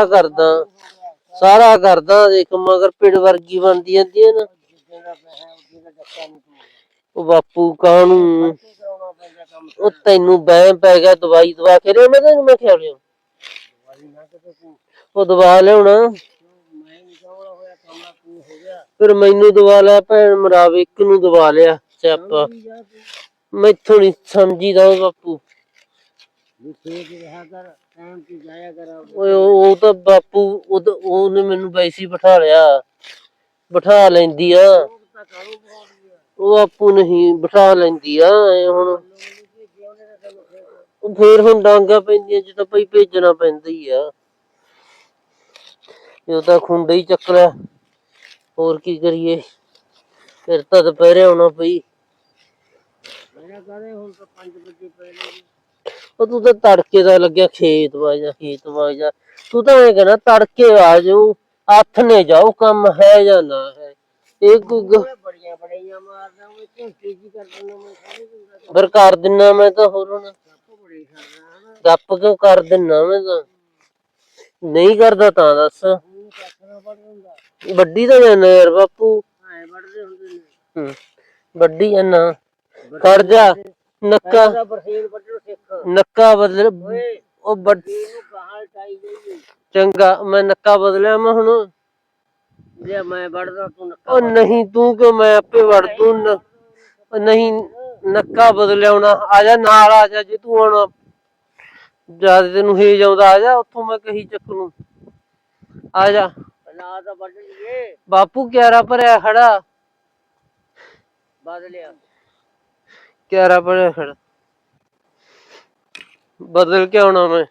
[SPEAKER 2] ਕਰਦਾ ਦੇਖ ਮਗਰ ਪਿੜ ਵਰਗੀ ਬਣਦੀ ਜਾਂਦੀ ਹੈ ਨਾ
[SPEAKER 1] ਜਿੱਦਾਂ ਦਾ ਪੈਸਾ ਉਹਦੇ ਦਾ ਡੱਕਾ ਨਹੀਂ ਤੂੰ
[SPEAKER 2] ਉਹ ਬਾਪੂ ਕਾਹਨੂੰ
[SPEAKER 1] ਕੀ ਕਰਾਉਣਾ ਪੈਂਦਾ ਕੰਮ
[SPEAKER 2] ਉਹ ਤੈਨੂੰ ਵਹਿਮ ਪੈ ਗਿਆ ਦਵਾਈ ਦਵਾ ਕੇ ਲਿਆ ਮੈਂ ਤੈਨੂੰ ਮੈਂ ਖਿਆ ਲਿਆ
[SPEAKER 1] ਵਾਲੀ ਨਾ ਕਿਤੇ ਤੂੰ
[SPEAKER 2] ਉਹ ਦਵਾ ਲਿਆਉਣਾ
[SPEAKER 1] ਮੈਂ ਨਹੀਂ ਕਹਣਾ ਹੋਇਆ ਕੰਮ ਤੂੰ ਹੋ ਗਿਆ
[SPEAKER 2] ਫਿਰ ਮੈਨੂੰ ਦਵਾ ਲਿਆ ਭੈਣ ਮਰਾਵੇ ਇੱਕ ਨੂੰ ਦਵਾ ਲਿਆ ਸਿਆਪਾ
[SPEAKER 1] ਜਾ ਤੂੰ
[SPEAKER 2] ਮੈਥੋਂ ਨੀ ਸਮਝੀਦਾ ਉਹ ਬਾਪੂ
[SPEAKER 1] ਵੀ ਖੇਤ ਰਿਹਾ ਕਰ ਟਾਈਮ ਤੇ ਜਾਇਆ ਕਰ
[SPEAKER 2] ਓਏ ਉਹ ਤਾਂ ਬਾਪੂ ਉਹਨੇ ਮੈਨੂੰ ਵੈਸੇ ਹੀ ਬਿਠਾ ਲੈਂਦੀ ਆ
[SPEAKER 1] ਤਾਂ ਕਾਹਨੂੰ ਬੋਲਦੀ ਆ
[SPEAKER 2] ਉਹ ਬਾਪੂ ਨਹੀਂ ਬਿਠਾ ਲੈਂਦੀ ਆ ਐ ਹੁਣ ਉਹ ਫੇਰ ਹੁਣ ਡਾਂਗਾ ਪੈਂਦੀਆਂ ਚ ਤਾਂ ਪਈ ਭੇਜਣਾ ਪੈਂਦਾ ਹੀ ਆ ਇਹ ਤਾਂ ਖੁੰਡੇ ਹੀ ਚੱਕ ਲਿਆ ਹੋਰ ਕੀ ਕਰੀਏ ਫਿਰ ਤਾਂ ਦੁਪਹਿਰੇ ਆਉਣਾ ਪਈ
[SPEAKER 1] ਮੇਰਾ ਕਹਦੇ ਹੁਣ ਤਾਂ 5 ਵਜੇ ਪੈ ਨੇ
[SPEAKER 2] ਉਹ ਤੂੰ ਤਾਂ ਤੜਕੇ ਦਾ ਲੱਗਿਆ ਖੇਤ ਵਗ ਜਾ ਤੂੰ ਤਾਂ ਐ ਕਹਿਣਾ ਤੜਕੇ ਆ ਜਾਊ ਹੱਥ ਨੇ ਜਾਓ ਕੰਮ ਹੈ ਜਾਂ ਨਾ ਹੈ ਇਹ ਕੋਈ
[SPEAKER 1] ਬੜੀਆਂ ਬੜੀਆਂ ਮਾਰਦਾ ਉਹ ਝੂਠੀ ਜੀ ਕਰ ਦਿੰਦਾ ਮੈਂ ਸਾਰੇ ਦਿਨ
[SPEAKER 2] ਫਿਰ ਕਰ ਦਿੰਨਾ ਮੈਂ ਤਾਂ ਹੋਰ ਹੁਣ
[SPEAKER 1] ਸੱਪ ਬੜੀ ਕਰਦਾ ਹਨਾ
[SPEAKER 2] ਗੱਪ ਕਿਉਂ ਕਰ ਦਿੰਨਾ ਮੈਂ ਤਾਂ ਨਹੀਂ ਕਰਦਾ ਤਾਂ ਦੱਸ
[SPEAKER 1] ਉਹਨੂੰ ਕੱਖ ਨਾ ਵੱਢ ਦਿੰਦਾ
[SPEAKER 2] ਵੱਡੀ ਤਾਂ ਜਾਨਾ ਯਾਰ ਬਾਪੂ
[SPEAKER 1] ਐ ਵੱਢਦੇ ਹੁੰਦੇ ਨੇ
[SPEAKER 2] ਵੱਡੀ ਜਾਨਾ ਕਰ ਜਾ ਨੱਕਾ
[SPEAKER 1] ਪਹਿਲਾਂ ਤਾਂ ਬਰਸੀਨ ਵੱਢਣ ਸਿੱਖ
[SPEAKER 2] ਨੱਕਾ ਬਦਲ
[SPEAKER 1] ਓਏ
[SPEAKER 2] ਉਹ ਵੱਡ
[SPEAKER 1] ਇਹਨੂੰ ਗਾਹਾਂ ਟਾਈ ਜਾਈਏ
[SPEAKER 2] ਚੰਗਾ ਮੈਂ ਨੱਕਾ ਬਦਲਿਆ ਮੈਂ ਹੁਣ
[SPEAKER 1] ਜੇ ਮੈਂ ਵੱਢਦਾ ਤੂੰ ਨੱਕਾ
[SPEAKER 2] ਉਹ ਨਹੀਂ ਤੂੰ ਕਿਉਂ ਮੈਂ ਆਪੇ ਵੜ ਦੂੰ ਉਹ ਨਹੀਂ ਨੱਕਾ ਬਦਲਿਆਉਣਾ ਆ ਜਾ ਨਾਲ ਆ ਜਾ ਜੇ ਤੂੰ ਹੁਣ ਜਦ ਤੈਨੂੰ ਹੇਜ ਆਉਂਦਾ ਆ ਜਾ ਉੱਥੋਂ ਮੈਂ ਕਹੀ ਚੱਕ ਨੂੰ ਆ ਜਾ
[SPEAKER 1] ਨਾ ਤਾਂ ਵੱਢ ਲਈਏ
[SPEAKER 2] ਬਾਪੂ ਕਿਆਰਾ ਭਰਿਆ ਖੜਾ
[SPEAKER 1] ਬਦਲਿਆ
[SPEAKER 2] ਕਿਆਰਾ ਭਰਿਆ ਖੜਾ ਬਦਲ ਕੇ ਆਉਣਾ ਮੈਂ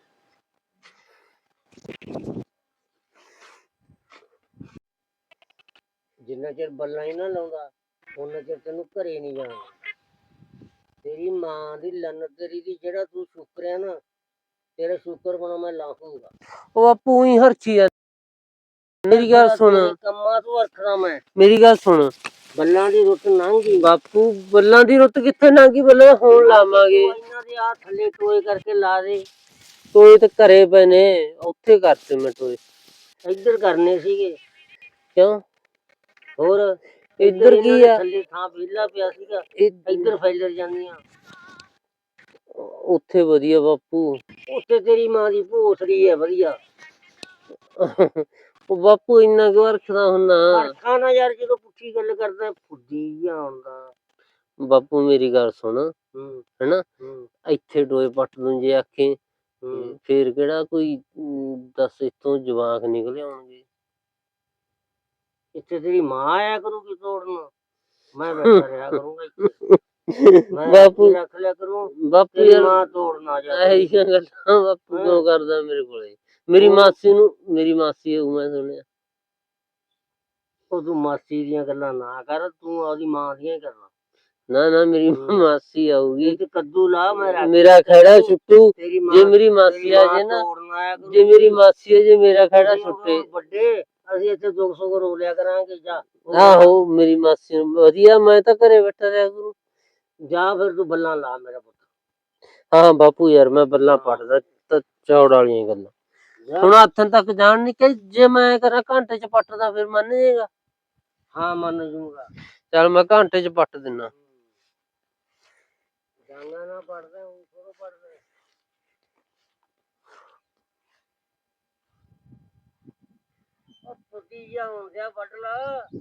[SPEAKER 1] ਜਿੰਨਾ ਚਿਰ ਬੱਲਾ ਹੀ ਨਾ ਲਾਉਂਦਾ ਉਹਨਾਂ ਚਿਰ ਤੈਨੂੰ ਘਰੇ ਨਹੀਂ ਜਾਣਾ ਤੇਰੀ ਮਾਂ ਦੀ ਲੰਨ ਤੇਰੀ ਦੀ ਜਿਹੜਾ ਤੂੰ ਸ਼ੁਕਰਿਆ ਨਾ ਤੇਰਾ ਸ਼ੁਕਰ ਬਣਾ ਮੈਂ ਲਾਹੂੰਗਾ
[SPEAKER 2] ਉਹ ਬਾਪੂ ਹੀ ਹਰਚੀ ਆ ਮੇਰੀ ਗੱਲ ਸੁਣ
[SPEAKER 1] ਕੰਮਾਂ ਤੋਂ ਰੱਖਣਾ ਮੈਂ
[SPEAKER 2] ਮੇਰੀ ਗੱਲ ਸੁਣ
[SPEAKER 1] ਬੱਲਾਂ ਦੀ ਰੁੱਤ ਲੰਘੀ
[SPEAKER 2] ਬਾਪੂ ਬੱਲਾਂ ਦੀ ਰੁੱਤ ਕਿੱਥੇ ਲੰਘੀ ਬੱਲਾਂ ਹੁਣ ਲਾਵਾਂਗੇ
[SPEAKER 1] ਇਹਨਾਂ ਦੇ ਆ ਥੱਲੇ ਟੋਏ ਕਰਕੇ ਲਾ ਦੇ
[SPEAKER 2] ਟੋਏ ਤੇ ਘਰੇ ਪਏ ਨੇ ਉੱਥੇ ਕਰਤੇ ਮੈਂ ਟੋਏ
[SPEAKER 1] ਇੱਧਰ ਕਰਨੇ ਸੀਗੇ
[SPEAKER 2] ਕਿਉਂ
[SPEAKER 1] ਹੋਰ
[SPEAKER 2] ਇੱਧਰ ਕੀ ਆ
[SPEAKER 1] ਥੱਲੇ ਥਾਂ ਵਿਹਲਾ ਪਿਆ ਸੀਗਾ ਇੱਧਰ ਫੈਲਰ ਜਾਂਦੀਆਂ
[SPEAKER 2] ਉੱਥੇ ਵਧੀਆ ਬਾਪੂ
[SPEAKER 1] ਉੱਥੇ ਤੇਰੀ ਮਾਂ ਦੀ ਭੋਸੜੀ ਹੈ ਵਧੀਆ
[SPEAKER 2] ਉਹ ਬਾਪੂ ਇੰਨਾ ਕਿਉਂ ਰੱਖਦਾ ਹੁੰਨਾ
[SPEAKER 1] ਅੱਖਾਂ ਨਾ ਯਾਰ ਜਦੋਂ ਪੁੱਠੀ ਗੱਲ ਕਰਦਾ ਫੁੱਦੀ ਜਿਹਾ ਆਉਂਦਾ
[SPEAKER 2] ਬਾਪੂ ਮੇਰੀ ਗੱਲ ਸੁਣ ਹੈਨਾ
[SPEAKER 1] ਹੂੰ
[SPEAKER 2] ਇੱਥੇ ਟੋਏ ਪੱਟ ਦੂੰ ਜੇ ਆਖੇ
[SPEAKER 1] ਹੂੰ
[SPEAKER 2] ਫੇਰ ਕਿਹੜਾ ਕੋਈ ਦੱਸ ਇਤੋਂ ਜਵਾਕ ਨਿਕਲ ਆਉਣਗੇ
[SPEAKER 1] ਇੱਥੇ ਤੇਰੀ ਮਾਂ ਆਇਆ ਕਰੂਗੀ ਤੋੜਨ ਮੈਂ ਬੈਠਾ ਰਿਹਾ ਕਰੂੰਗਾ ਇੱਥੇ ਮੈਂ
[SPEAKER 2] ਬਾਪੂ
[SPEAKER 1] ਰੱਖ ਲਿਆ ਕਰੂੰ
[SPEAKER 2] ਬਾਪੂ
[SPEAKER 1] ਤੇਰੀ
[SPEAKER 2] ਯਾਰ
[SPEAKER 1] ਮਾਂ ਤੋੜਨ ਆ ਜਾ
[SPEAKER 2] ਇਹੀ ਗੱਲਾਂ ਬਾਪੂ ਕਿਉਂ ਕਰਦਾ ਮੇਰੇ ਕੋਲੇ ਮੇਰੀ ਮਾਸੀ ਹੋਊ ਮੈਂ ਸੁਣਿਆ
[SPEAKER 1] ਉਹ ਤੂੰ ਮਾਸੀ ਦੀਆਂ ਗੱਲਾਂ ਨਾ ਕਰ ਤੂੰ ਉਹਦੀ ਮਾਂ ਦੀਆਂ ਹੀ ਕਰਨਾ
[SPEAKER 2] ਨਾ ਮੇਰੀ ਮਾਸੀ ਆਊਗੀ
[SPEAKER 1] ਇਹ ਤੇ ਕੱਦੂ ਲਾ ਮੈਂ ਰੱਖ
[SPEAKER 2] ਮੇਰਾ ਖੜਾ ਛੁੱਟੂ
[SPEAKER 1] ਤੇਰੀ ਮਾਂ
[SPEAKER 2] ਜੇ ਮੇਰੀ ਮਾਸੀ ਆ ਜੇ ਨਾ
[SPEAKER 1] ਤੋੜਨ ਆਇਆ ਕਰੂ
[SPEAKER 2] ਜੇ ਮੇਰੀ ਮਾਸੀ ਆ ਜੇ ਮੇਰਾ ਖੜਾ ਛੁੱਟੇ
[SPEAKER 1] ਵੱਡੇ ਅਸੀਂ ਇੱਥੇ 200 ਰੋ ਲਿਆ ਕਰਾਂਗੇ ਜਾ
[SPEAKER 2] ਆਹੋ ਮੇਰੀ ਮਾਸੀ ਨੂੰ ਵਧੀਆ ਮੈਂ ਤਾਂ ਘਰੇ ਬੈਠਾ ਰਿਹਾ ਕਰੂ
[SPEAKER 1] ਜਾ ਫਿਰ ਤੂੰ ਬੱਲਾਂ ਲਾ ਮੇਰਾ ਪੁੱਤ
[SPEAKER 2] ਹਾਂ ਬਾਪੂ ਯਾਰ ਮੈਂ ਬੱਲਾਂ ਪੜਦਾ ਤਾਂ ਚੌੜ ਵਾਲੀਆਂ ਗੱਲਾਂ ਹੁਣ ਹੱਥਾਂ ਤੱਕ ਜਾਣ ਨਹੀਂ ਕਿ ਜੇ ਮੈਂ ਕਰਾਂ ਘੰਟੇ ਚ ਪੱਟਦਾ ਫਿਰ ਮੰਨ ਜਾਏਗਾ
[SPEAKER 1] ਹਾਂ ਮੰਨ ਜੂਗਾ
[SPEAKER 2] ਚੱਲ ਮੈਂ ਘੰਟੇ ਚ ਪੱਟ ਦਿੰਨਾ
[SPEAKER 1] ਜਾਨਾ ਨਾ ਪੜਦਾ ਹੁਣ ਥੋੜਾ ਪੜਦਾ ਉਹ ਫੁੱਟੀ ਜਾ ਹੁੰਦਿਆ ਵੱਢ ਲਾ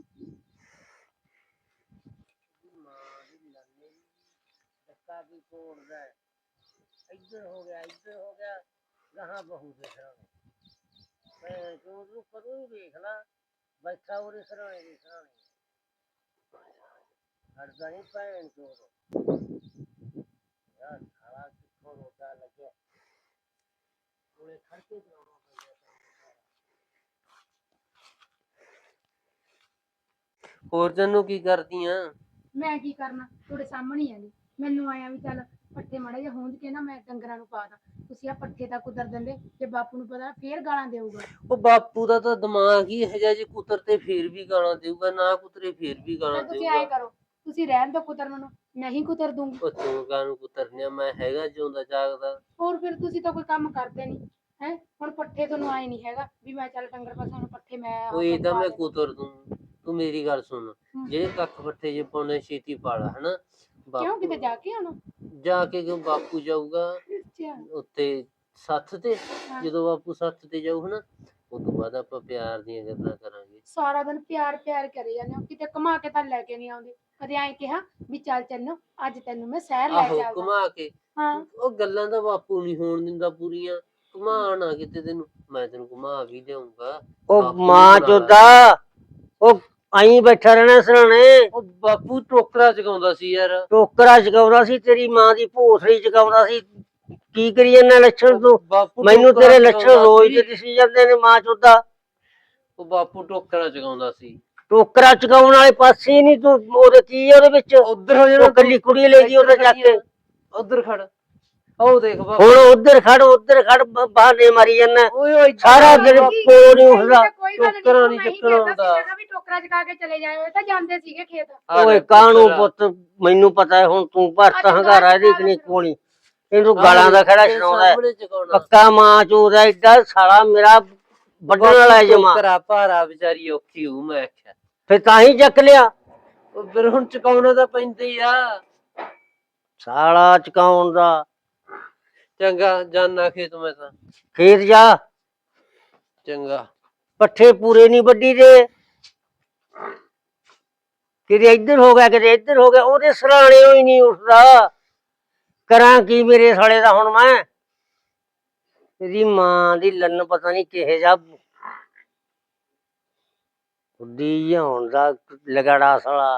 [SPEAKER 1] ਮਾਂ ਦੀ ਲੰਨੇ ਧੱਕਾ ਵੀ ਤੋੜਦਾ ਇੱਧਰ ਹੋ ਗਿਆ ਗਾਹਾਂ ਬਹੂ ਦੇਖਣਾ ਮੈਂ ਤੂੰ ਕਦੋਂ ਹੀ ਵੇਖ ਲਾ ਬੈਠਾ ਉਹਦੇ ਸਰਾਣੇ ਦੇ ਸਰਾਣੇ ਹੜਦਾ ਨਹੀਂ ਭੈਣ ਚੋਦ ਯਾਰ ਖਾਲਾ ਕਿੱਥੋਂ ਰੋਟਾ ਲੱਗਿਆ ਉਹਨੇ ਖੜਕੇ ਕਰਾਉਣਾ
[SPEAKER 2] ਹੋਰ ਤੈਨੂੰ ਕੀ ਕਰਦੀ ਆ
[SPEAKER 3] ਮੈਂ ਕੀ ਕਰਨਾ ਤੁਹਾਡੇ ਸਾਹਮਣੇ ਹੀ ਆ ਜੀ ਮੈਨੂੰ ਆਇਆ ਵੀ ਚੱਲ ਪੱਠੇ ਮਾੜੇ ਜਿਹਾ ਹੁੰਜ ਕੇ ਨਾ ਮੈਂ ਡੰਗਰਾਂ ਨੂੰ ਪਾ ਦਾਂ ਤੁਸੀਂ ਆ ਪੱਠੇ ਤਾਂ ਕੁਤਰ ਦਿੰਦੇ ਜੇ ਬਾਪੂ ਨੂੰ ਪਤਾ ਫੇਰ ਗਾਲਾਂ ਦੇਊਗਾ
[SPEAKER 2] ਉਹ ਬਾਪੂ ਦਾ ਤਾਂ ਦਿਮਾਗ ਹੀ ਇਹੋ ਜਿਹਾ ਜੇ ਕੁਤਰ ਤੇ ਫੇਰ ਵੀ ਗਾਲਾਂ ਦੇਊਗਾ ਨਾ ਕੁਤਰੇ ਫੇਰ ਵੀ ਗਾਲਾਂ
[SPEAKER 3] ਤੁਸੀਂ ਐਂ
[SPEAKER 2] ਦੇਊਗਾ
[SPEAKER 3] ਕਰੋ ਤੁਸੀਂ ਰਹਿਣ ਦੋ ਕੁਤਰਨ ਨੂੰ ਨਹੀਂ ਕੁਤਰ ਦੂੰਗੀ
[SPEAKER 2] ਉਹ ਤੂੰ ਕਾਹਨੂੰ ਕੁਤਰਨਿਆ ਮੈਂ ਹੈਗਾ ਜਿਉਂਦਾ ਜਾਗਦਾ
[SPEAKER 3] ਹੋਰ ਫਿਰ ਤੁਸੀਂ ਤਾਂ ਕੋਈ ਕੰਮ ਕਰਦੇ ਨਹੀਂ ਹੈ ਹੁਣ ਪੱਠੇ ਤੁਹਾਨੂੰ ਆਏ ਨਹੀਂ ਹੈਗਾ ਵੀ ਮੈਂ ਚੱਲ ਡੰਗਰ ਪਾਸਾਂ ਨੂੰ ਪੱਠੇ ਮੈਂ
[SPEAKER 2] ਉਹ ਇਹ ਤਾਂ ਮੈਂ ਕੁਤਰ ਦੂੰ ਤੂੰ ਮੇਰੀ ਗੱਲ ਸੁਣ ਜਿਹੜੇ ਕੱਖ ਪੱਠੇ ਜੇ ਪਾਉਣੇ ਛੇਤੀ ਪਾਲਾ ਹਨਾ
[SPEAKER 3] ਕਿਉਂ ਕਿਤੇ ਜਾ ਕੇ ਆਉਣਾ
[SPEAKER 2] ਜਾ ਕੇ ਕਿਉਂ ਬਾਪੂ ਜਾਊਗਾ
[SPEAKER 3] ਅੱਛਾ
[SPEAKER 2] ਉੱਤੇ ਸੱਥ ਤੇ ਜਦੋਂ ਬਾਪੂ ਸੱਥ ਤੇ ਜਾਊ ਹਨਾ ਉਦੋਂ ਬਾਅਦ ਆਪਾਂ ਪਿਆਰ ਦੀਆਂ ਗੱਲਾਂ ਕਰਾਂਗੇ
[SPEAKER 3] ਸਾਰਾ ਦਿਨ ਪਿਆਰ ਕਰੇ ਜਾਂਦੇ ਹੋ ਕਿਤੇ ਘੁਮਾ ਕੇ ਤਾਂ ਲੈ ਕੇ ਨਹੀਂ ਆਉਂਦੇ ਕਦੇ ਐਂ ਕਿਹਾ ਵੀ ਚੱਲ ਚੰਨੋ ਅੱਜ ਤੈਨੂੰ ਮੈਂ ਸ਼ਹਿਰ ਲੈ
[SPEAKER 2] ਆਹੋ
[SPEAKER 3] ਕੇ ਆਉਂਦਾ
[SPEAKER 2] ਘੁਮਾ ਕੇ
[SPEAKER 3] ਹਾਂ
[SPEAKER 2] ਉਹ ਗੱਲਾਂ ਤਾਂ ਬਾਪੂ ਨਹੀਂ ਹੋਣ ਦਿੰਦਾ ਪੂਰੀਆਂ ਘੁਮਾਣਾ ਕਿਤੇ ਤੈਨੂੰ ਮੈਂ ਤੈਨੂੰ ਘੁਮਾ ਵੀ ਲਿਆਉਂਗਾ
[SPEAKER 1] ਉਹ ਮਾਂ ਚੋਦਾ ਉਹ ਆਈ ਬੈਠਾ ਰਹਿਣਾ ਸਰਾਣੇ
[SPEAKER 2] ਉਹ ਬਾਪੂ ਟੋਕਰਾ ਚਗਾਉਂਦਾ ਸੀ ਯਾਰ
[SPEAKER 1] ਟੋਕਰਾ ਚਗਾਉਂਦਾ ਸੀ ਤੇਰੀ ਮਾਂ ਦੀ ਭੋਸੜੀ ਚਗਾਉਂਦਾ ਸੀ ਕੀ ਕਰੀ ਜਾਂਦਾ ਲੱਛਣ ਤੂੰ
[SPEAKER 2] ਬਾਪੂ
[SPEAKER 1] ਮੈਨੂੰ
[SPEAKER 2] ਟੋਕਰਾ
[SPEAKER 1] ਤੇਰੇ ਲੱਛਣ
[SPEAKER 2] ਚਗਾਉਂਦਾ
[SPEAKER 1] ਰੋਜ਼
[SPEAKER 2] ਸੀ।
[SPEAKER 1] ਦੇ ਦਿਸੀ ਜਾਂਦੇ ਨੇ ਮਾਂ ਚੋਦਾ
[SPEAKER 2] ਉਹ ਬਾਪੂ ਟੋਕਰਾ ਚਗਾਉਂਦਾ ਸੀ
[SPEAKER 1] ਟੋਕਰਾ ਚਗਾਉਣ ਵਾਲੇ ਪਾਸੇ ਹੀ ਨਹੀਂ ਤੂੰ ਉਹਦੇ ਕੀ ਆ ਉਹਦੇ ਵਿੱਚ
[SPEAKER 2] ਉਧਰ ਹੋ
[SPEAKER 1] ਉਹ ਕੱਲੀ ਕੁੜੀ ਲੈ ਗਈ ਉਹਦੇ ਚੱਕ ਕੇ
[SPEAKER 2] ਉਧਰ ਖੜ ਉਹ ਦੇਖ ਬਾਪੂ
[SPEAKER 1] ਹੁਣ ਉਧਰ ਖੜ ਬਹਾਨੇ ਮਾਰੀ ਜਾਂਦਾ
[SPEAKER 2] ਓਏ ਓਏ
[SPEAKER 1] ਸਾਰਾ ਦਿਨ ਕੋਲ ਨਹੀਂ ਉੱਠਦਾ
[SPEAKER 2] ਟੋਕਰਾ ਨਹੀਂ ਚੱਕਣਾ ਹੁੰਦਾ
[SPEAKER 3] ਵੀ ਟੋਕਰਾ ਚਕਾ ਕੇ ਚਲੇ ਜਾਏ ਤਾਂ ਜਾਂਦੇ ਸੀਗੇ ਖੇਤ
[SPEAKER 1] ਓਏ ਕਾਹਨੂੰ ਪੁੱਤ ਮੈਨੂੰ ਪਤਾ ਹੈ ਹੁਣ ਤੂੰ ਭਰਤ ਹੰਗਾਰਾ ਇਹਦੀ ਕਿਨੇ ਕੋਣੀ ਇਹਨੂੰ ਗਾਲਾਂ ਦਾ ਖੜਾ ਸੁਣਾਉਂਦਾ ਹੈ। ਪੱਕਾ ਮਾਂ ਚੋਦਾ ਏਡਾ ਸਾਲਾ ਮੇਰਾ ਵੱਢਣ ਵਾਲਾ ਜਮਾ
[SPEAKER 2] ਟੋਕਰਾ ਭਾਰਾ ਵਿਚਾਰੀ ਔਖੀ ਹੂੰ ਮੈਂ ਆਖਿਆ
[SPEAKER 1] ਫਿਰ ਤਾਂ ਹੀ ਚੱਕ ਲਿਆ
[SPEAKER 2] ਉਹ ਫਿਰ ਹੁਣ ਚਕਾਉਣਾ ਤਾਂ ਪੈਂਦਾ ਹੀ ਆ
[SPEAKER 1] ਸਾਲਾ ਚਕਾਉਣ ਦਾ।
[SPEAKER 2] ਚੰਗਾ ਜਾਨਾ ਖੇਤ ਮੈਂ ਤਾਂ।
[SPEAKER 1] ਖੇਤ ਜਾ,
[SPEAKER 2] ਚੰਗਾ।
[SPEAKER 1] ਪੱਠੇ ਪੂਰੇ ਨਹੀਂ ਵੱਢੀ ਦੇ। ਕਿਤੇ ਇੱਧਰ ਹੋ ਗਿਆ, ਕਿਤੇ ਇੱਧਰ ਹੋ ਗਿਆ, ਉਹਦੇ ਸਰਾਣੇ ਹੀ ਨਹੀਂ ਉੱਠਦਾ। ਕਰਾਂ ਕੀ ਮੇਰੇ ਸਾਲੇ ਦਾ ਹੁਣ ਮੈਂ? ਇਹਦੀ ਮਾਂ ਦੀ ਲੰਨ ਪਤਾ ਨਹੀਂ ਕਿਹੇ ਜਾ ਉੱਡੀ ਹੋਣ ਦਾ ਲਗੜਾ ਸਾਲਾ।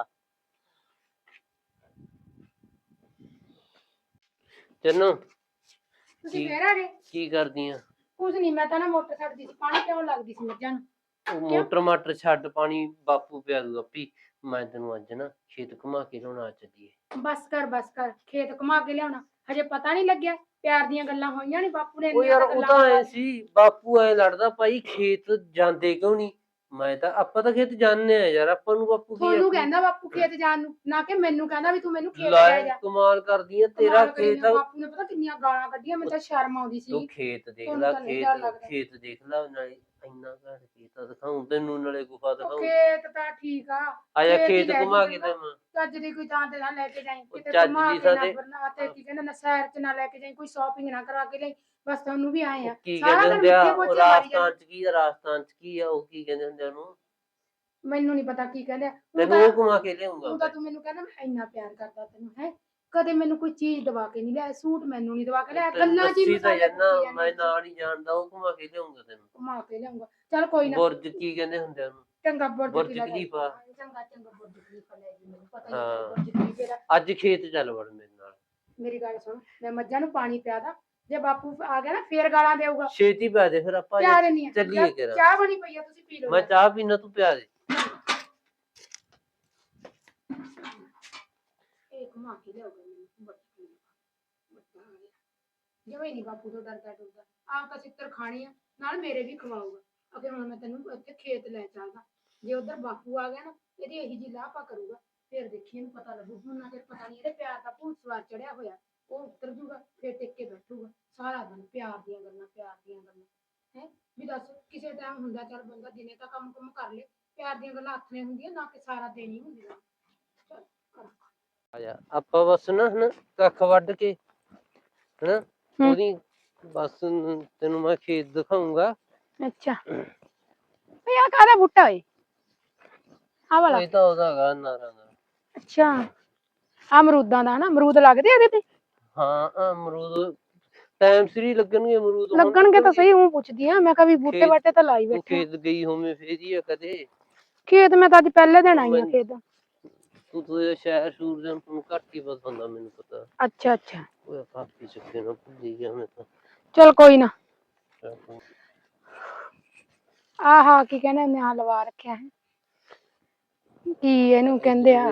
[SPEAKER 2] ਚੰਨੂ
[SPEAKER 3] ਤੁਸੀਂ ਫੇਰ ਆ ਗਏ?
[SPEAKER 2] ਕੀ ਕਰਦੀ ਆ?
[SPEAKER 3] ਕੁਝ ਨਹੀਂ, ਮੈਂ ਤਾਂ ਨਾ ਮੋਟਰ ਛੱਡਦੀ ਸੀ, ਪਾਣੀ ਕਿਉਂ ਲੱਗਦੀ ਸੀ ਮੱਝਾਂ ਨੂੰ।
[SPEAKER 2] ਉਹ ਮੋਟਰ ਮਾਟਰ ਛੱਡ, ਪਾਣੀ ਬਾਪੂ ਪਿਆ ਦੂ ਆਪੀ। ਮੈਂ ਤੈਨੂੰ ਅੱਜ ਨਾ ਖੇਤ ਘੁਮਾ ਕੇ ਲਿਆਉਣਾ ਚੱਲੀਏ।
[SPEAKER 3] ਬਸ ਕਰ, ਖੇਤ ਘੁਮਾ ਕੇ ਲਿਆਉਣਾ। ਹਜੇ ਪਤਾ ਨਹੀਂ ਲੱਗਿਆ, ਪਿਆਰ ਦੀਆਂ ਗੱਲਾਂ ਹੋਈਆਂ ਨੀ ਬਾਪੂ ਨੇ।
[SPEAKER 2] ਉਹ ਯਾਰ ਉਹ ਤਾਂ ਐ ਸੀ, ਬਾਪੂ ਐ ਲੜਦਾ ਭਾਈ ਖੇਤ ਜਾਂਦੇ ਕਿਉਂ ਨਹੀਂ। ਮੈਂ ਤਾਂ ਆਪਾਂ ਤਾਂ ਖੇਤ ਜਾਂਦੇ ਆ ਯਾਰ, ਆਪਾਂ ਨੂੰ ਬਾਪੂ ਕੀ
[SPEAKER 3] ਤੁਹਾਨੂੰ ਕਹਿੰਦਾ ਬਾਪੂ ਖੇਤ ਜਾਣ ਨੂੰ, ਨਾ ਕਿ ਮੈਨੂੰ ਕਹਿੰਦਾ ਵੀ ਤੂੰ ਮੈਨੂੰ ਖੇਤ ਲੈ ਜਾ।
[SPEAKER 2] ਕਮਾਲ ਕਰਦੀ ਆ, ਤੇਰਾ ਖੇਤ।
[SPEAKER 3] ਬਾਪੂ ਨੇ ਪਤਾ ਕਿੰਨੀਆਂ ਗਾਲਾਂ ਕੱਢੀਆਂ, ਮੈਨੂੰ ਤਾਂ ਸ਼ਰਮ ਆਉਂਦੀ ਸੀ।
[SPEAKER 2] ਤੂੰ ਖੇਤ ਦੇਖ ਲੈ, ਖੇਤ ਦੇਖ ਲੈ, ਨਾਲੇ ਇੰਨਾ ਘੱਟ ਖੇਤ ਦਿਖਾਉਂ ਤੈਨੂੰ, ਨਾਲੇ ਗੁਫਾ ਦਿਖਾਉਂ।
[SPEAKER 3] ਖੇਤ ਤਾਂ ਠੀਕ ਆ,
[SPEAKER 2] ਆਜਾ ਖੇਤ ਘੁਮਾ ਕੇ ਦੇਵਾਂ।
[SPEAKER 3] ਚੱਜ ਦੀ ਕੋਈ ਥਾਂ ਤੇ ਨਾ ਲੈ ਕੇ ਜਾਈਂ, ਕਿਤੇ
[SPEAKER 2] ਚੱਜ
[SPEAKER 3] ਘੁਮਾ
[SPEAKER 2] ਦੀ
[SPEAKER 3] ਕੇ
[SPEAKER 2] ਥਾਂ
[SPEAKER 3] ਨਾ
[SPEAKER 2] ਤੇ
[SPEAKER 3] ਬਰਨਾ ਤੇ ਕੀ ਕਹਿੰਦੇ ਨਾ ਸੈਰ ਚ ਨਾ ਲੈ ਕੇ ਜਾਈਂ, ਕੋਈ ਸ਼ਾਪਿੰਗ ਨਾ ਕਰਾ ਕੇ ਲਈ। ਬਸ ਤੁਹਾਨੂੰ ਵੀ ਆਏ ਆ
[SPEAKER 2] ਕੀ
[SPEAKER 3] ਸਾਰਾ
[SPEAKER 2] ਕਹਿੰਦੇ
[SPEAKER 3] ਦਿਨ
[SPEAKER 2] ਹੁੰਦੇ ਆ
[SPEAKER 3] ਮਿੱਠੇ
[SPEAKER 2] ਉਹ
[SPEAKER 3] ਪੋਚੇ ਮਾਰੀ
[SPEAKER 2] ਰਾਜਸਥਾਨ ਚ ਕੀ ਆ, ਰਾਜਸਥਾਨ ਚ ਕੀ ਆ ਉਹ ਕੀ ਕਹਿੰਦੇ ਹੁੰਦੇ ਉਹਨੂੰ,
[SPEAKER 3] ਮੈਨੂੰ ਨਹੀਂ ਪਤਾ ਕੀ ਕਹਿੰਦੇ ਆ।
[SPEAKER 2] ਤੈਨੂੰ ਉਹ ਘੁਮਾ ਕੇ ਲਿਆਉਂਗਾ।
[SPEAKER 3] ਤੂੰ ਮੈਨੂੰ ਕਹਿੰਦਾ ਮੈਂ ਇੰਨਾ ਪਿਆਰ ਕਰਦਾ ਤੈਨੂੰ, ਹੈ ਕਦੇ ਮੈਨੂੰ ਕੋਈ ਚੀਜ਼ ਦਵਾ ਕੇ ਨਹੀਂ ਲਿਆ, ਸੂਟ ਮੈਨੂੰ ਨਹੀਂ ਦਵਾ ਕੇ ਲਿਆ, ਗੱਲਾਂ ਜੀ
[SPEAKER 2] ਮੈਂ ਨਾਲ ਹੀ ਜਾਣਦਾ, ਉਹ ਘੁਮਾ ਕੇ ਲਿਆਉਂਗਾ ਤੈਨੂੰ,
[SPEAKER 3] ਘੁਮਾ ਕੇ ਲਿਆਉਂਗਾ। ਚੱਲ ਕੋਈ ਨਾ।
[SPEAKER 2] ਬੁਰਜ ਕੀ ਕਹਿੰਦੇ ਹੁੰਦੇ ਉਹਨੂੰ,
[SPEAKER 3] ਚੰਗਾ
[SPEAKER 2] ਬੁਰਜ ਖਲੀਫਾ।
[SPEAKER 3] ਚੰਗਾ ਬੁਰਜ ਖਲੀਫਾ ਲੈ ਜੀ, ਮੈਨੂੰ ਪਤਾ ਨਹੀਂ ਬੁਰਜ ਖਲੀਫੇ ਦਾ।
[SPEAKER 2] ਅੱਜ ਖੇਤ ਚੱਲ ਵੜ ਮੇਰੇ ਨਾਲ।
[SPEAKER 3] ਮੇਰੀ ਗੱਲ ਸੁਣ, ਮੈਂ ਮੱਝਾਂ ਨੂੰ ਪਾਣੀ ਪਿਆ ਦਾਂ, ਜੇ ਬਾਪੂ ਆ ਗਿਆ ਨਾ ਫੇਰ ਗਾਲਾਂ ਦੇਊਗਾ।
[SPEAKER 2] ਛੇਤੀ ਪਿਆ ਦੇ ਫਿਰ, ਆਪਾਂ ਚੱਲੀਏ ਕਿਰਾ।
[SPEAKER 3] ਚਾਹ ਬਣੀ ਪਈ ਆ, ਤੁਸੀਂ ਪੀ ਲਓ।
[SPEAKER 2] ਮੈਂ ਚਾਹ ਪੀਣਾ, ਤੂੰ ਪਿਆ ਦੇ।
[SPEAKER 3] ਇਹ ਘੁਮਾ ਕੇ ਲਿਆਊਗਾ ਮੈਨੂੰ ਜਿਵੇਂ ਨਹੀਂ ਬਾਪੂ ਤੋਂ ਡਰਦਾ ਡਰਦਾ। ਆਪ ਤਾਂ ਸਿੱਤਰ ਖਾਣੀ ਆ, ਨਾਲ ਮੇਰੇ ਵੀ ਖਵਾਊਗਾ। ਅਗੇ ਹੁਣ ਮੈਂ ਤੈਨੂੰ ਇੱਥੇ ਖੇਤ ਲੈ ਚੱਲਦਾ, ਜੇ ਉਧਰ ਬਾਪੂ ਆ ਗਿਆ ਨਾ ਇਹਦੀ ਇਹੀ ਜੀ ਲਾਪਾ ਕਰੂਗਾ, ਫਿਰ ਦੇਖੀ ਇਹਨੂੰ ਪਤਾ ਲੱਗੂ। ਹੁਣ ਨਾ ਪਤਾ ਨਹੀਂ ਇਹਦੇ ਪਿਆਰ ਦਾ ਭੂਤ ਸਵਾਰ ਚੜਿਆ ਹੋਇਆ, ਉਹ ਉਤਰ ਜੂਗਾ ਫਿਰ ਟਿਕ ਕੇ ਬੈਠੂਗਾ ਸਾਰਾ ਦਿਨ। ਪਿਆਰ ਦੀਆਂ ਗੱਲਾਂ ਹੈ ਵੀ ਦੱਸ, ਕਿਸੇ ਟਾਈਮ ਹੁੰਦਾ ਚੱਲ ਬੰਦਾ ਦਿਨੇ ਤਾਂ ਕੰਮ ਕੁਮ ਕਰ ਲੇ, ਪਿਆਰ ਦੀਆਂ ਗੱਲਾਂ ਆਥਣੇ ਹੁੰਦੀਆਂ ਨਾ ਕਿ ਸਾਰਾ ਦਿਨ ਹੀ ਹੁੰਦੀਆਂ। ਚੱਲ ਕਰ
[SPEAKER 2] ਆਜਾ ਆਪਾਂ ਬਸ ਨਾ ਹਨਾ ਕੱਖ ਵੱਢ ਕੇ ਹਨਾ ਉਹਦੀ ਬਸ ਤੈਨੂੰ ਮੈਂ ਖੇਤ ਦਿਖਾਉਂਗਾ।
[SPEAKER 3] ਅੱਛਾ ਭਈ ਆ ਕਾਹਦਾ ਬੂਟਾ ਏ? ਆ ਵਾਲਾ
[SPEAKER 2] ਇਹ ਤਾਂ ਉਹਦਾ ਹੈਗਾ ਨਾਰਾਂ ਦਾ।
[SPEAKER 3] ਅੱਛਾ ਆ ਅਮਰੂਦਾਂ ਦਾ ਨਾ, ਅਮਰੂਦ ਲੱਗਦੇ ਇਹਦੇ ਤੇ?
[SPEAKER 2] ਹਾਂ ਅਮਰੂਦ ਟਾਈਮ ਸਿਰ ਹੀ ਲੱਗਣਗੇ, ਅਮਰੂਦ
[SPEAKER 3] ਲੱਗਣਗੇ ਤਾਂ ਸਹੀ। ਹੂੰ ਪੁੱਛਦੀ ਆ ਮੈਂ ਕਿਹਾ ਵੀ ਬੂਟੇ ਬਾਟੇ ਤਾਂ ਲਾਈ ਬੈਠੇ।
[SPEAKER 2] ਖੇਤ ਗਈ ਹੋਵੇਂ ਫੇਰ ਹੀ ਆ ਕਦੇ
[SPEAKER 3] ਖੇਤ? ਮੈਂ ਤਾਂ ਅੱਜ ਪਹਿਲੇ ਦਿਨ ਆਈ ਆ ਖੇਤ।
[SPEAKER 2] ਤੂੰ ਸ਼ਹਿਰ ਸ਼ੂਰ ਦੇ ਨੂੰ ਘੱਟ ਹੀ ਪਤਾ ਹੁੰਦਾ, ਮੈਨੂੰ ਪਤਾ।
[SPEAKER 3] ਅੱਛਾ
[SPEAKER 2] ਉਹ ਕਾਫੀ ਚੱਕੇ ਨਾ ਭੁੱਲੀ ਗਿਆ ਮੈਂ ਤਾਂ।
[SPEAKER 3] ਚਲ ਕੋਈ ਨਾ। ਆਹਾ ਕੀ ਕਹਿੰਦੇ ਉਹਨੇ ਆ ਲਵਾ ਰੱਖਿਆ ਹੈ, ਕੀ ਇਹਨੂੰ ਕਹਿੰਦੇ ਆ?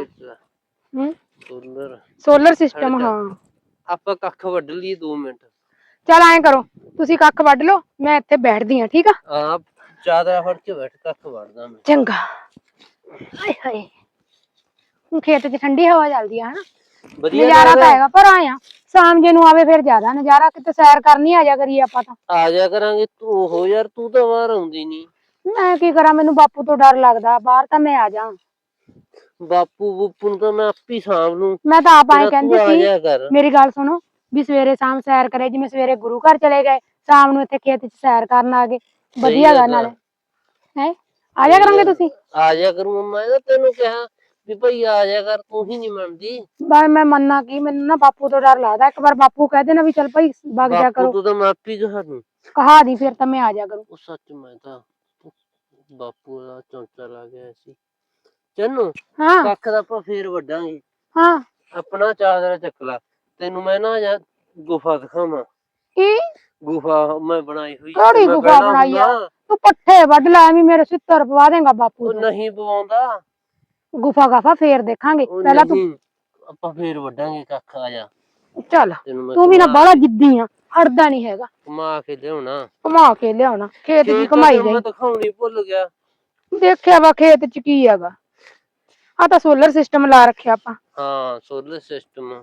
[SPEAKER 3] Solar system. ਹਾਂ
[SPEAKER 2] ਆਪਾਂ ਕੱਖ ਵੱਢ ਲਈਏ 2 ਮਿੰਟ।
[SPEAKER 3] ਚਲ ਐਂ ਕਰੋ, ਤੁਸੀਂ ਕੱਖ ਵੱਢ ਲਓ, ਮੈਂ ਇੱਥੇ ਬੈਠਦੀ ਆ। ਠੀਕ ਆ?
[SPEAKER 2] ਹਾਂ ਚਾਦਰਾ ਫੜ ਕੇ ਬੈਠ, ਕੱਖ ਵੱਢਦਾ ਮੈਂ।
[SPEAKER 3] ਚੰਗਾ। ਹਾਏ ਹਾਏ ਹੁਣ ਖੇਤ 'ਚ ਠੰਡੀ ਹਵਾ ਚੱਲਦੀ ਆ, ਹਨਾ ਨਜ਼ਾਰਾ ਤਾਂ ਹੈਗਾ। ਪਰ ਆਇਆ ਸ਼ਾਮ ਜੇ ਨੂੰ ਆਵੇ ਫਿਰ ਜ਼ਿਆਦਾ ਨਜ਼ਾਰਾ। ਕਿਤੇ ਸੈਰ ਕਰਨੀ ਆ ਜਾ ਕਰੀਏ ਆਪਾਂ ਤਾਂ।
[SPEAKER 2] ਆ ਜਾ ਕਰਾਂਗੇ। ਤੂੰ ਹੋ ਯਾਰ, ਤੂੰ ਤਾਂ ਬਾਹਰ ਆਉਂਦੀ ਨੀ।
[SPEAKER 3] ਮੈਂ ਕੀ ਕਰਾਂ, ਮੈਨੂੰ ਬਾਪੂ ਤੋਂ ਡਰ ਲੱਗਦਾ। ਬਾਹਰ ਤਾਂ ਮੈਂ ਆ ਜਾ।
[SPEAKER 2] ਬਾਪੂ ਨੂੰ ਤਾਂ ਮੈਂ ਆਪੀ ਸਾਂਭ ਲੂੰ।
[SPEAKER 3] ਮੈਂ ਤਾਂ ਆਪ ਆਏ ਕਹਿੰਦੀ ਸੀ, ਮੇਰੀ ਗੱਲ ਸੁਣੋ, ਵੀ ਸਵੇਰੇ ਸ਼ਾਮ ਸੈਰ ਕਰੇ। ਜਿਵੇਂ ਸਵੇਰੇ ਗੁਰੂ ਘਰ ਚਲੇ ਗਏ, ਸ਼ਾਮ ਨੂੰ ਇੱਥੇ ਖੇਤ 'ਚ ਸੈਰ ਕਰਨ ਆ ਗਏ, ਵਧੀਆ ਗਾ। ਨਾਲੇ ਹੈ ਆ ਜਾ ਕਰਾਂਗੇ। ਤੁਸੀਂ
[SPEAKER 2] ਆ ਜਾ ਕਰੂੰ। ਮੈਂ ਤਾਂ ਤੈਨੂੰ ਕਿਹਾ ਵੀ ਭਾਈ ਆ ਜਾ ਕਰ, ਤੂੰ ਹੀ ਨੀ ਮੰਨਦੀ।
[SPEAKER 3] ਬਸ ਮੈਂ ਮੰਨਣਾ ਕੀ, ਮੈਨੂੰ ਨਾ ਬਾਪੂ ਤੋਂ ਡਰ ਲੱਗਦਾ। ਇੱਕ ਵਾਰ ਬਾਪੂ ਕਹਿ ਦੇਣਾ ਵੀ ਚੱਲ ਭਾਈ ਵਗ ਜਾ ਕਰੋ,
[SPEAKER 2] ਤੂੰ ਤਾਂ ਮੈਂ ਆਪੀ ਕਹਾ ਦੂੰ,
[SPEAKER 3] ਕਹਾ ਦੀ ਫਿਰ ਤਾਂ ਮੈਂ ਆ ਜਾ ਕਰੂੰ।
[SPEAKER 2] ਉਹ ਸੱਚ ਮੈਂ ਤਾਂ ਬਾਪੂ ਦਾ ਚੌਂਚਾ ਲਾ ਗਿਆ ਸੀ। ਚੰਨੂ ਕੱਖ ਦਾ ਆਪਾਂ ਫੇਰ ਵੱਢਾਂਗੇ।
[SPEAKER 3] ਹਾਂ
[SPEAKER 2] ਆਪਣਾ ਚਾਦਰਾ ਚੱਕ ਲਾ, ਤੈਨੂੰ ਮੈਂ ਨਾ ਜਾਂ ਗੁਫਾ ਦਿਖਾਵਾਂ।
[SPEAKER 3] ਕੀ
[SPEAKER 2] ਗੁਫਾ ਮੈਂ ਬਣਾਈ ਹੋਈ?
[SPEAKER 3] ਕਿਹੜੀ ਗੁਫਾ ਬਣਾਈ ਆ? ਤੂੰ ਪੱਠੇ ਵੱਢ ਲੈ, ਐਵੇਂ ਮੇਰੇ ਸਿੱਤਰ ਪਵਾ ਦੇਂਗਾ ਬਾਪੂ।
[SPEAKER 2] ਉਹ ਨਹੀਂ ਪਵਾਉਂਦਾ।
[SPEAKER 3] ਗੁਫਾ ਗਾਫਾ ਫੇਰ ਦੇਖਾਂਗੇ, ਪਹਿਲਾਂ ਤੂੰ।
[SPEAKER 2] ਆਪਾਂ ਫੇਰ ਵੱਢਾਂਗੇ ਕੱਖ। ਆ ਜਾ
[SPEAKER 3] ਚੱਲ। ਤੂੰ ਵੀ ਨਾ ਬਾਹਲਾ ਜਿੱਦੀ ਆ, ਹਟਦਾ ਨੀ ਹੈਗਾ।
[SPEAKER 2] ਘੁਮਾ ਕੇ ਲਿਆਉਣਾ,
[SPEAKER 3] ਘੁਮਾ ਕੇ ਲਿਆਉਣਾ। ਖੇਤ ਦੀ ਘੁਮਾਈ ਗਈ।
[SPEAKER 2] ਮੈਂ ਦਿਖਾਉਣੀ ਭੁੱਲ ਗਿਆ।
[SPEAKER 3] ਦੇਖਿਆ ਵਾ ਖੇਤ 'ਚ ਕੀ ਹੈਗਾ। ਆ ਤਾਂ ਸੋਲਰ ਸਿਸਟਮ ਲਾ ਰੱਖਿਆ ਆਪਾਂ।
[SPEAKER 2] ਹਾਂ ਸੋਲਰ ਸਿਸਟਮ।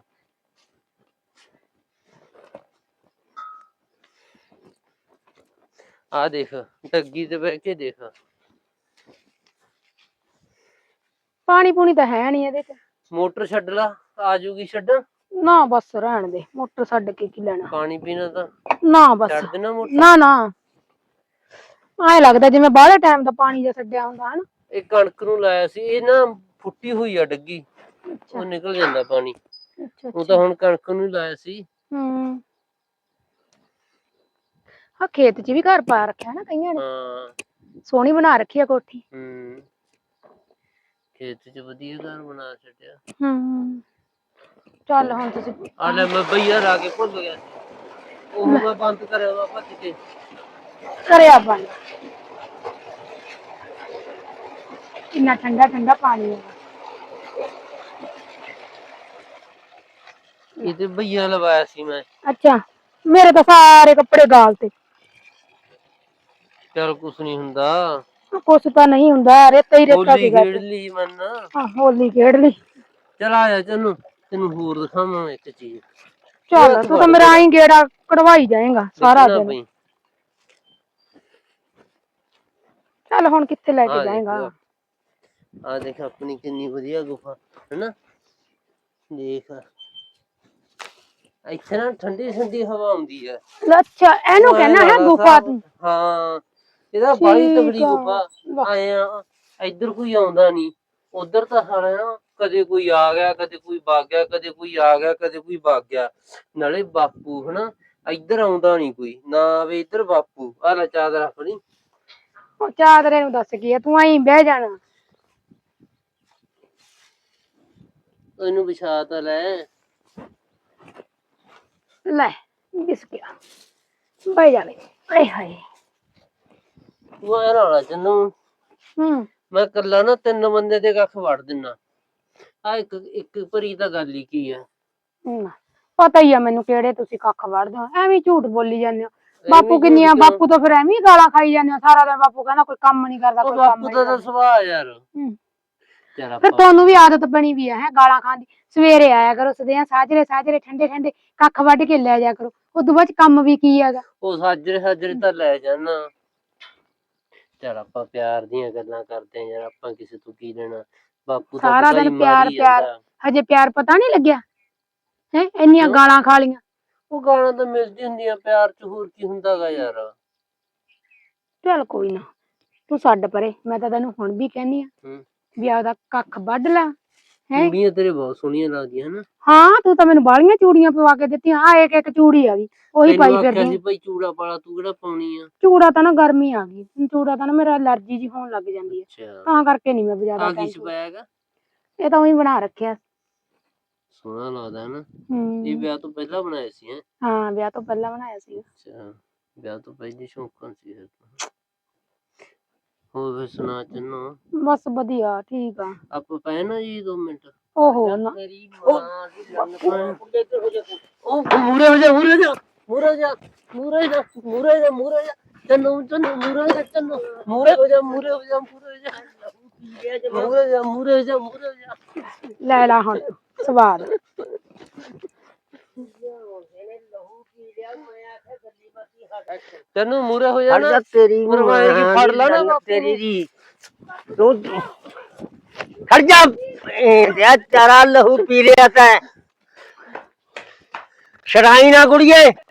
[SPEAKER 2] ਆ ਦੇਖ ਡੱਗੀ ਤੇ ਬਹਿ ਕੇ ਦੇਖ।
[SPEAKER 3] ਪਾਣੀ ਪੂਣੀ ਤਾਂ ਹੈ ਨੀ ਇਹਦੇ 'ਚ।
[SPEAKER 2] ਮੋਟਰ ਛੱਡ ਲਾ, ਆ ਜੂਗੀ। ਛੱਡ
[SPEAKER 3] ਨਾ ਬਸ ਰਹਿਣ ਦੇ, ਮੋਟਰ ਛੱਡ ਕੇ ਕੀ ਲੈਣਾ।
[SPEAKER 2] ਪਾਣੀ ਪੀਣਾ ਤਾਂ
[SPEAKER 3] ਨਾ ਬਸ,
[SPEAKER 2] ਛੱਡ ਦੇਣਾ ਮੋਟਰ।
[SPEAKER 3] ਨਾ ਨਾ, ਐ ਲੱਗਦਾ ਜਿਵੇਂ ਬਾਹਲੇ ਟਾਈਮ ਦਾ ਪਾਣੀ ਜਿਹਾ ਛੱਡਿਆ ਹੁੰਦਾ ਹਨ।
[SPEAKER 2] ਇਹ ਕਣਕ ਨੂੰ ਲਾਇਆ ਸੀ, ਇਹ ਨਾ ਫੁੱਟੀ ਹੋਈ ਆ ਡੱਗੀ,
[SPEAKER 3] ਅੱਛਾ
[SPEAKER 2] ਉਹ ਨਿਕਲ ਜਾਂਦਾ ਪਾਣੀ।
[SPEAKER 3] ਅੱਛਾ
[SPEAKER 2] ਉਹ ਤਾਂ
[SPEAKER 3] ਅੱਛਾ।
[SPEAKER 2] ਹੁਣ ਕਣਕ ਨੂੰ ਹੀ ਲਾਇਆ ਸੀ।
[SPEAKER 3] ਹਾਂ ਖੇਤ 'ਚ ਵੀ ਘਰ ਪਾ ਰੱਖਿਆ ਨਾ ਕਈਆਂ ਨੇ,
[SPEAKER 2] ਹਾਂ
[SPEAKER 3] ਸੋਹਣੀ ਬਣਾ ਰੱਖੀ ਆ ਕੋਠੀ।
[SPEAKER 2] ਖੇਤ 'ਚ ਵਧੀਆ ਘਰ ਬਣਾ ਛੱਡਿਆ।
[SPEAKER 3] ਚੱਲ ਹੁਣ ਤੁਸੀਂ
[SPEAKER 2] ਆ ਲੈ ਮੈਂ ਬਈਆ ਲਾ ਕੇ ਭੁੱਲ ਗਿਆ ਸੀ, ਉਹ ਮੈਂ ਬੰਦ ਕਰਿਆ ਵਾ ਭੱਜ ਕੇ।
[SPEAKER 3] ਕਰਿਆ ਬੰਦ। ਕਿੰਨਾ ਠੰਡਾ ਠੰਡਾ ਪਾਣੀ ਹੈ।
[SPEAKER 2] ਇਹ ਤੇ ਬਈਆ ਲਵਾਇਆ ਸੀ ਮੈਂ।
[SPEAKER 3] ਅੱਛਾ, ਮੇਰੇ ਤਾਂ ਸਾਰੇ ਕੱਪੜੇ ਗਾਲ ਤੇ।
[SPEAKER 2] ਚੱਲ ਕੁਛ ਨੀ ਹੁੰਦਾ,
[SPEAKER 3] ਕੁਛ ਤਾਂ ਨਹੀਂ ਹੁੰਦਾ, ਰੇਤਾ ਹੀ ਰੇਤਾ
[SPEAKER 2] ਹੋਲੀ
[SPEAKER 3] ਸੀਗਾ।
[SPEAKER 2] ਖੇਡ ਲਈ ਮਨ।
[SPEAKER 3] ਹੋਲੀ ਖੇਡ ਲਈ।
[SPEAKER 2] ਚਲ ਆ ਜਾ ਤੈਨੂੰ ਤੈਨੂੰ ਹੋਰ ਦਿਖਾਵਾਂ ਇੱਕ ਚੀਜ਼।
[SPEAKER 3] ਚੱਲ ਤੂੰ ਤਾਂ ਮੇਰਾ ਆਈ ਗੇੜਾ ਕਢਵਾਈ ਜਾਏਗਾ ਸਾਰਾ ਦਿਨ। ਚੱਲ ਹੁਣ ਕਿੱਥੇ ਲੈ ਕੇ ਜਾਏਗਾ।
[SPEAKER 2] ਆ ਦੇਖ ਆਪਣੀ ਕਿੰਨੀ ਵਧੀਆ ਗੁਫਾ ਹੈਨਾ, ਦੇਖ ਇੱਥੇ ਨਾ ਠੰਡੀ ਠੰਡੀ ਹਵਾ ਆਉਂਦੀ ਹੈ।
[SPEAKER 3] ਅੱਛਾ ਇਹਨੂੰ ਕਹਿਣਾ ਹੈ ਗੁਫਾ ਤੂੰ?
[SPEAKER 2] ਹਾਂ ਇਹਦਾ ਬੜੀ ਤਕੜੀ ਗੁਫਾ। ਆਏ ਆ ਇੱਧਰ ਕੋਈ ਆਉਂਦਾ ਨੀ, ਉਧਰ ਤਾਂ ਸਾਲਿਆ ਕਦੇ ਕੋਈ ਆ ਗਿਆ, ਕਦੇ ਕੋਈ ਵਗ ਗਿਆ, ਕਦੇ ਕੋਈ ਆ ਗਿਆ, ਕਦੇ ਕੋਈ ਵਗ ਗਿਆ। ਨਾਲੇ ਬਾਪੂ ਹਨਾ ਇੱਧਰ ਆਉਂਦਾ ਨੀ ਕੋਈ, ਨਾ ਆਵੇ ਇੱਧਰ ਬਾਪੂ। ਆ ਲੈ ਚਾਦਰ ਆਪਣੀ।
[SPEAKER 3] ਉਹ ਚਾਦਰੇ ਨੂੰ ਦੱਸ ਕੀ ਆ, ਤੂੰ ਆਈ ਬਹਿ ਜਾਣਾ।
[SPEAKER 2] ਇਹਨੂੰ ਵਿਛਾ ਤਾਂ ਲੈ।
[SPEAKER 3] ਲੈ ਦਿਸ ਗਿਆ, ਬਹਿ ਜਾ। ਆਏ ਹਾਏ
[SPEAKER 2] ਤੂੰ ਐ ਨਾ ਤੈਨੂੰ ਮੈਂ ਕੱਲਾ ਨਾ 3 ਬੰਦੇ ਦੇ ਕੱਖ ਵੜ ਦਿਨਾ। ਆ ਇੱਕ ਭਰੀ ਤਾਂ ਗੱਲ ਹੀ ਕੀ ਆ।
[SPEAKER 3] ਪਤਾ ਹੀ ਆ ਮੈਨੂੰ ਕਿਹੜੇ ਤੁਸੀਂ ਕੱਖ ਵੜਦੇ ਹੋ, ਐਵੇਂ ਝੂਠ ਬੋਲੀ ਜਾਂਦੇ ਹੋ। ਬਾਪੂ ਕਿੰਨੀਆਂ, ਬਾਪੂ ਤਾਂ ਫਿਰ ਐਵੇਂ ਗਾਲਾਂ ਖਾਈ ਜਾਂਦੇ ਹੋ ਸਾਰਾ ਦਿਨ। ਬਾਪੂ ਕਹਿੰਦਾ ਕੋਈ ਕੰਮ ਨੀ ਕਰਦਾ, ਕੋਈ ਕੰਮ
[SPEAKER 2] ਬਾਪੂ ਦਾ ਤਾਂ ਸੁਭਾਅ ਯਾਰ।
[SPEAKER 3] ਫਿਰ ਤੁਹਾਨੂੰ ਵੀ ਆਦਤ ਬਣੀ ਵੀ ਹੈ ਗਾਲਾਂ ਖਾਣ ਦੀ। ਸਵੇਰੇ ਆਇਆ ਕਰੋ ਸਦਿਆਂ ਸਾਜਰੇ ਸਾਜਰੇ ਠੰਡੇ ਠੰਡੇ ਕੱਖ ਵੱਢ ਕੇ ਲੈ ਜਾ ਕਰੋ, ਉਦੋਂ ਬਾਅਦ ਕੰਮ ਵੀ ਕੀ ਹੈਗਾ।
[SPEAKER 2] ਉਹ ਸਾਜਰੇ ਸਾਜਰੇ ਤਾਂ ਲੈ ਜਾਣਾ। ਚੱਲ ਆਪਾਂ ਪਿਆਰ ਦੀਆਂ ਗੱਲਾਂ ਕਰਦੇ ਆਂ ਯਾਰ, ਆਪਾਂ ਕਿਸੇ ਤੋਂ ਕੀ ਲੈਣਾ। ਬਾਪੂ ਤਾਂ
[SPEAKER 3] ਸਾਰਾ ਦਿਨ ਪਿਆਰ ਪਿਆਰ, ਹਜੇ ਪਿਆਰ ਪਤਾ ਨੀ ਲੱਗਿਆ ਹੈ? ਇੰਨੀਆਂ ਗਾਲਾਂ ਖਾ ਲੀਆਂ।
[SPEAKER 2] ਉਹ ਗਾਲਾਂ ਤਾਂ ਮਿਲਦੀ ਹੁੰਦੀਆਂ ਪਿਆਰ ਚ, ਹੋਰ ਕੀ ਹੁੰਦਾ ਗਾ ਯਾਰ।
[SPEAKER 3] ਚੱਲ ਕੋਈ ਨਾ, ਤੂੰ ਛੱਡ ਪਰੇ। ਮੈਂ ਤਾਂ ਤੈਨੂੰ ਹੁਣ ਵੀ ਕਹਿੰਦੀ ਆ ਵੀ ਆਪਦਾ ਕੱਖ ਵੱਢ ਲੈ।
[SPEAKER 2] ਚੂੜੀਆਂ ਤੇਰੇ ਬਹੁਤ ਸੋਹਣੀਆਂ ਲੱਗਦੀਆਂ ਹਨਾ।
[SPEAKER 3] ਹਾਂ ਤੂੰ ਤਾਂ ਮੈਨੂੰ ਬਾਹਲੀਆਂ ਚੂੜੀਆਂ ਪਵਾ ਕੇ ਦਿੱਤੀਆਂ। ਆ ਇੱਕ ਇੱਕ ਚੂੜੀ ਆ ਗਈ, ਉਹੀ ਪਾਈ ਫਿਰਦੀ।
[SPEAKER 2] ਭਾਈ ਚੂੜਾ ਪਾਲਾ, ਤੂੰ ਕਿਹੜਾ ਪਾਉਣੀ ਆ?
[SPEAKER 3] ਚੂੜਾ ਤਾਂ ਨਾ ਗਰਮੀ ਆ ਗਈ, ਚੂੜਾ ਤਾਂ ਨਾ ਮੇਰਾ ਅਲਰਜੀ ਜੀ ਹੋਣ ਲੱਗ ਜਾਂਦੀ ਹੈ, ਤਾਂ ਕਰਕੇ ਨੀ ਮੈਂ ਬਾਜ਼ਾਰ ਇਹ ਤਾਂ ਉਹੀ ਬਣਾ ਰੱਖਿਆ।
[SPEAKER 2] ਸੋਹਣਾ ਲੱਗਦਾ ਹਨਾ। ਇਹ ਵਿਆਹ ਤੋਂ ਪਹਿਲਾਂ ਬਣਾਇਆ ਸੀ?
[SPEAKER 3] ਹਾਂ ਵਿਆਹ ਤੋਂ ਪਹਿਲਾਂ ਬਣਾਇਆ ਸੀ।
[SPEAKER 2] ਅੱਛਾ, ਵਿਆਹ ਤੋਂ ਪਹਿਲੀ ਸ਼ੌਂਕਣ ਸੀ। ਹੋਰ ਫਿਰ ਸੁਣਾ ਚੰਨੋ? ਬਸ ਵਧੀਆ ਠੀਕ ਆ। ਆਪਾਂ ਪਏ ਨਾ ਜੀ 2 ਮਿੰਟ। ਓਹੋ ਨਾ ਮੇਰੀ ਮਾਂ ਦੀ ਉਹ ਮੂਰੇ ਹੋ ਜਾ, ਮੂਰੇ ਜਾ, ਮੂਰੇ ਜਾ, ਮੂਰੇ ਜਾ, ਮੂਰੇ ਜਾ, ਮੂਰੇ ਜਾ। ਚੰਨੋ ਚੰਨੋ ਮੂਰੇ ਜਾ, ਚੰਨੋ ਮੂਰੇ ਹੋ ਜਾ, ਮੂਰੇ ਹੋ ਜਾ, ਮੂਰੇ ਜਾ, ਮੂਰੇ ਜਾ, ਮੂਰੇ ਜਾ, ਮੂਰੇ ਜਾ। ਲੈ ਲਾ ਹੁਣ ਸਵਾਦ। ਤੈਨੂੰ ਮੂਰੇ ਹੋ ਜਾ ਨਾ,
[SPEAKER 1] ਤੇਰੀ
[SPEAKER 2] ਫੜ ਲਾ ਨਾ
[SPEAKER 1] ਤੇਰੀ ਦੀ ਤੂੰ ਖੜ ਜਾ। ਤੇਰਾ ਲਹੂ ਪੀ ਲਿਆ ਤੈਂ, ਸ਼ਰਾਈ ਨਾ ਕੁੜੀਏ।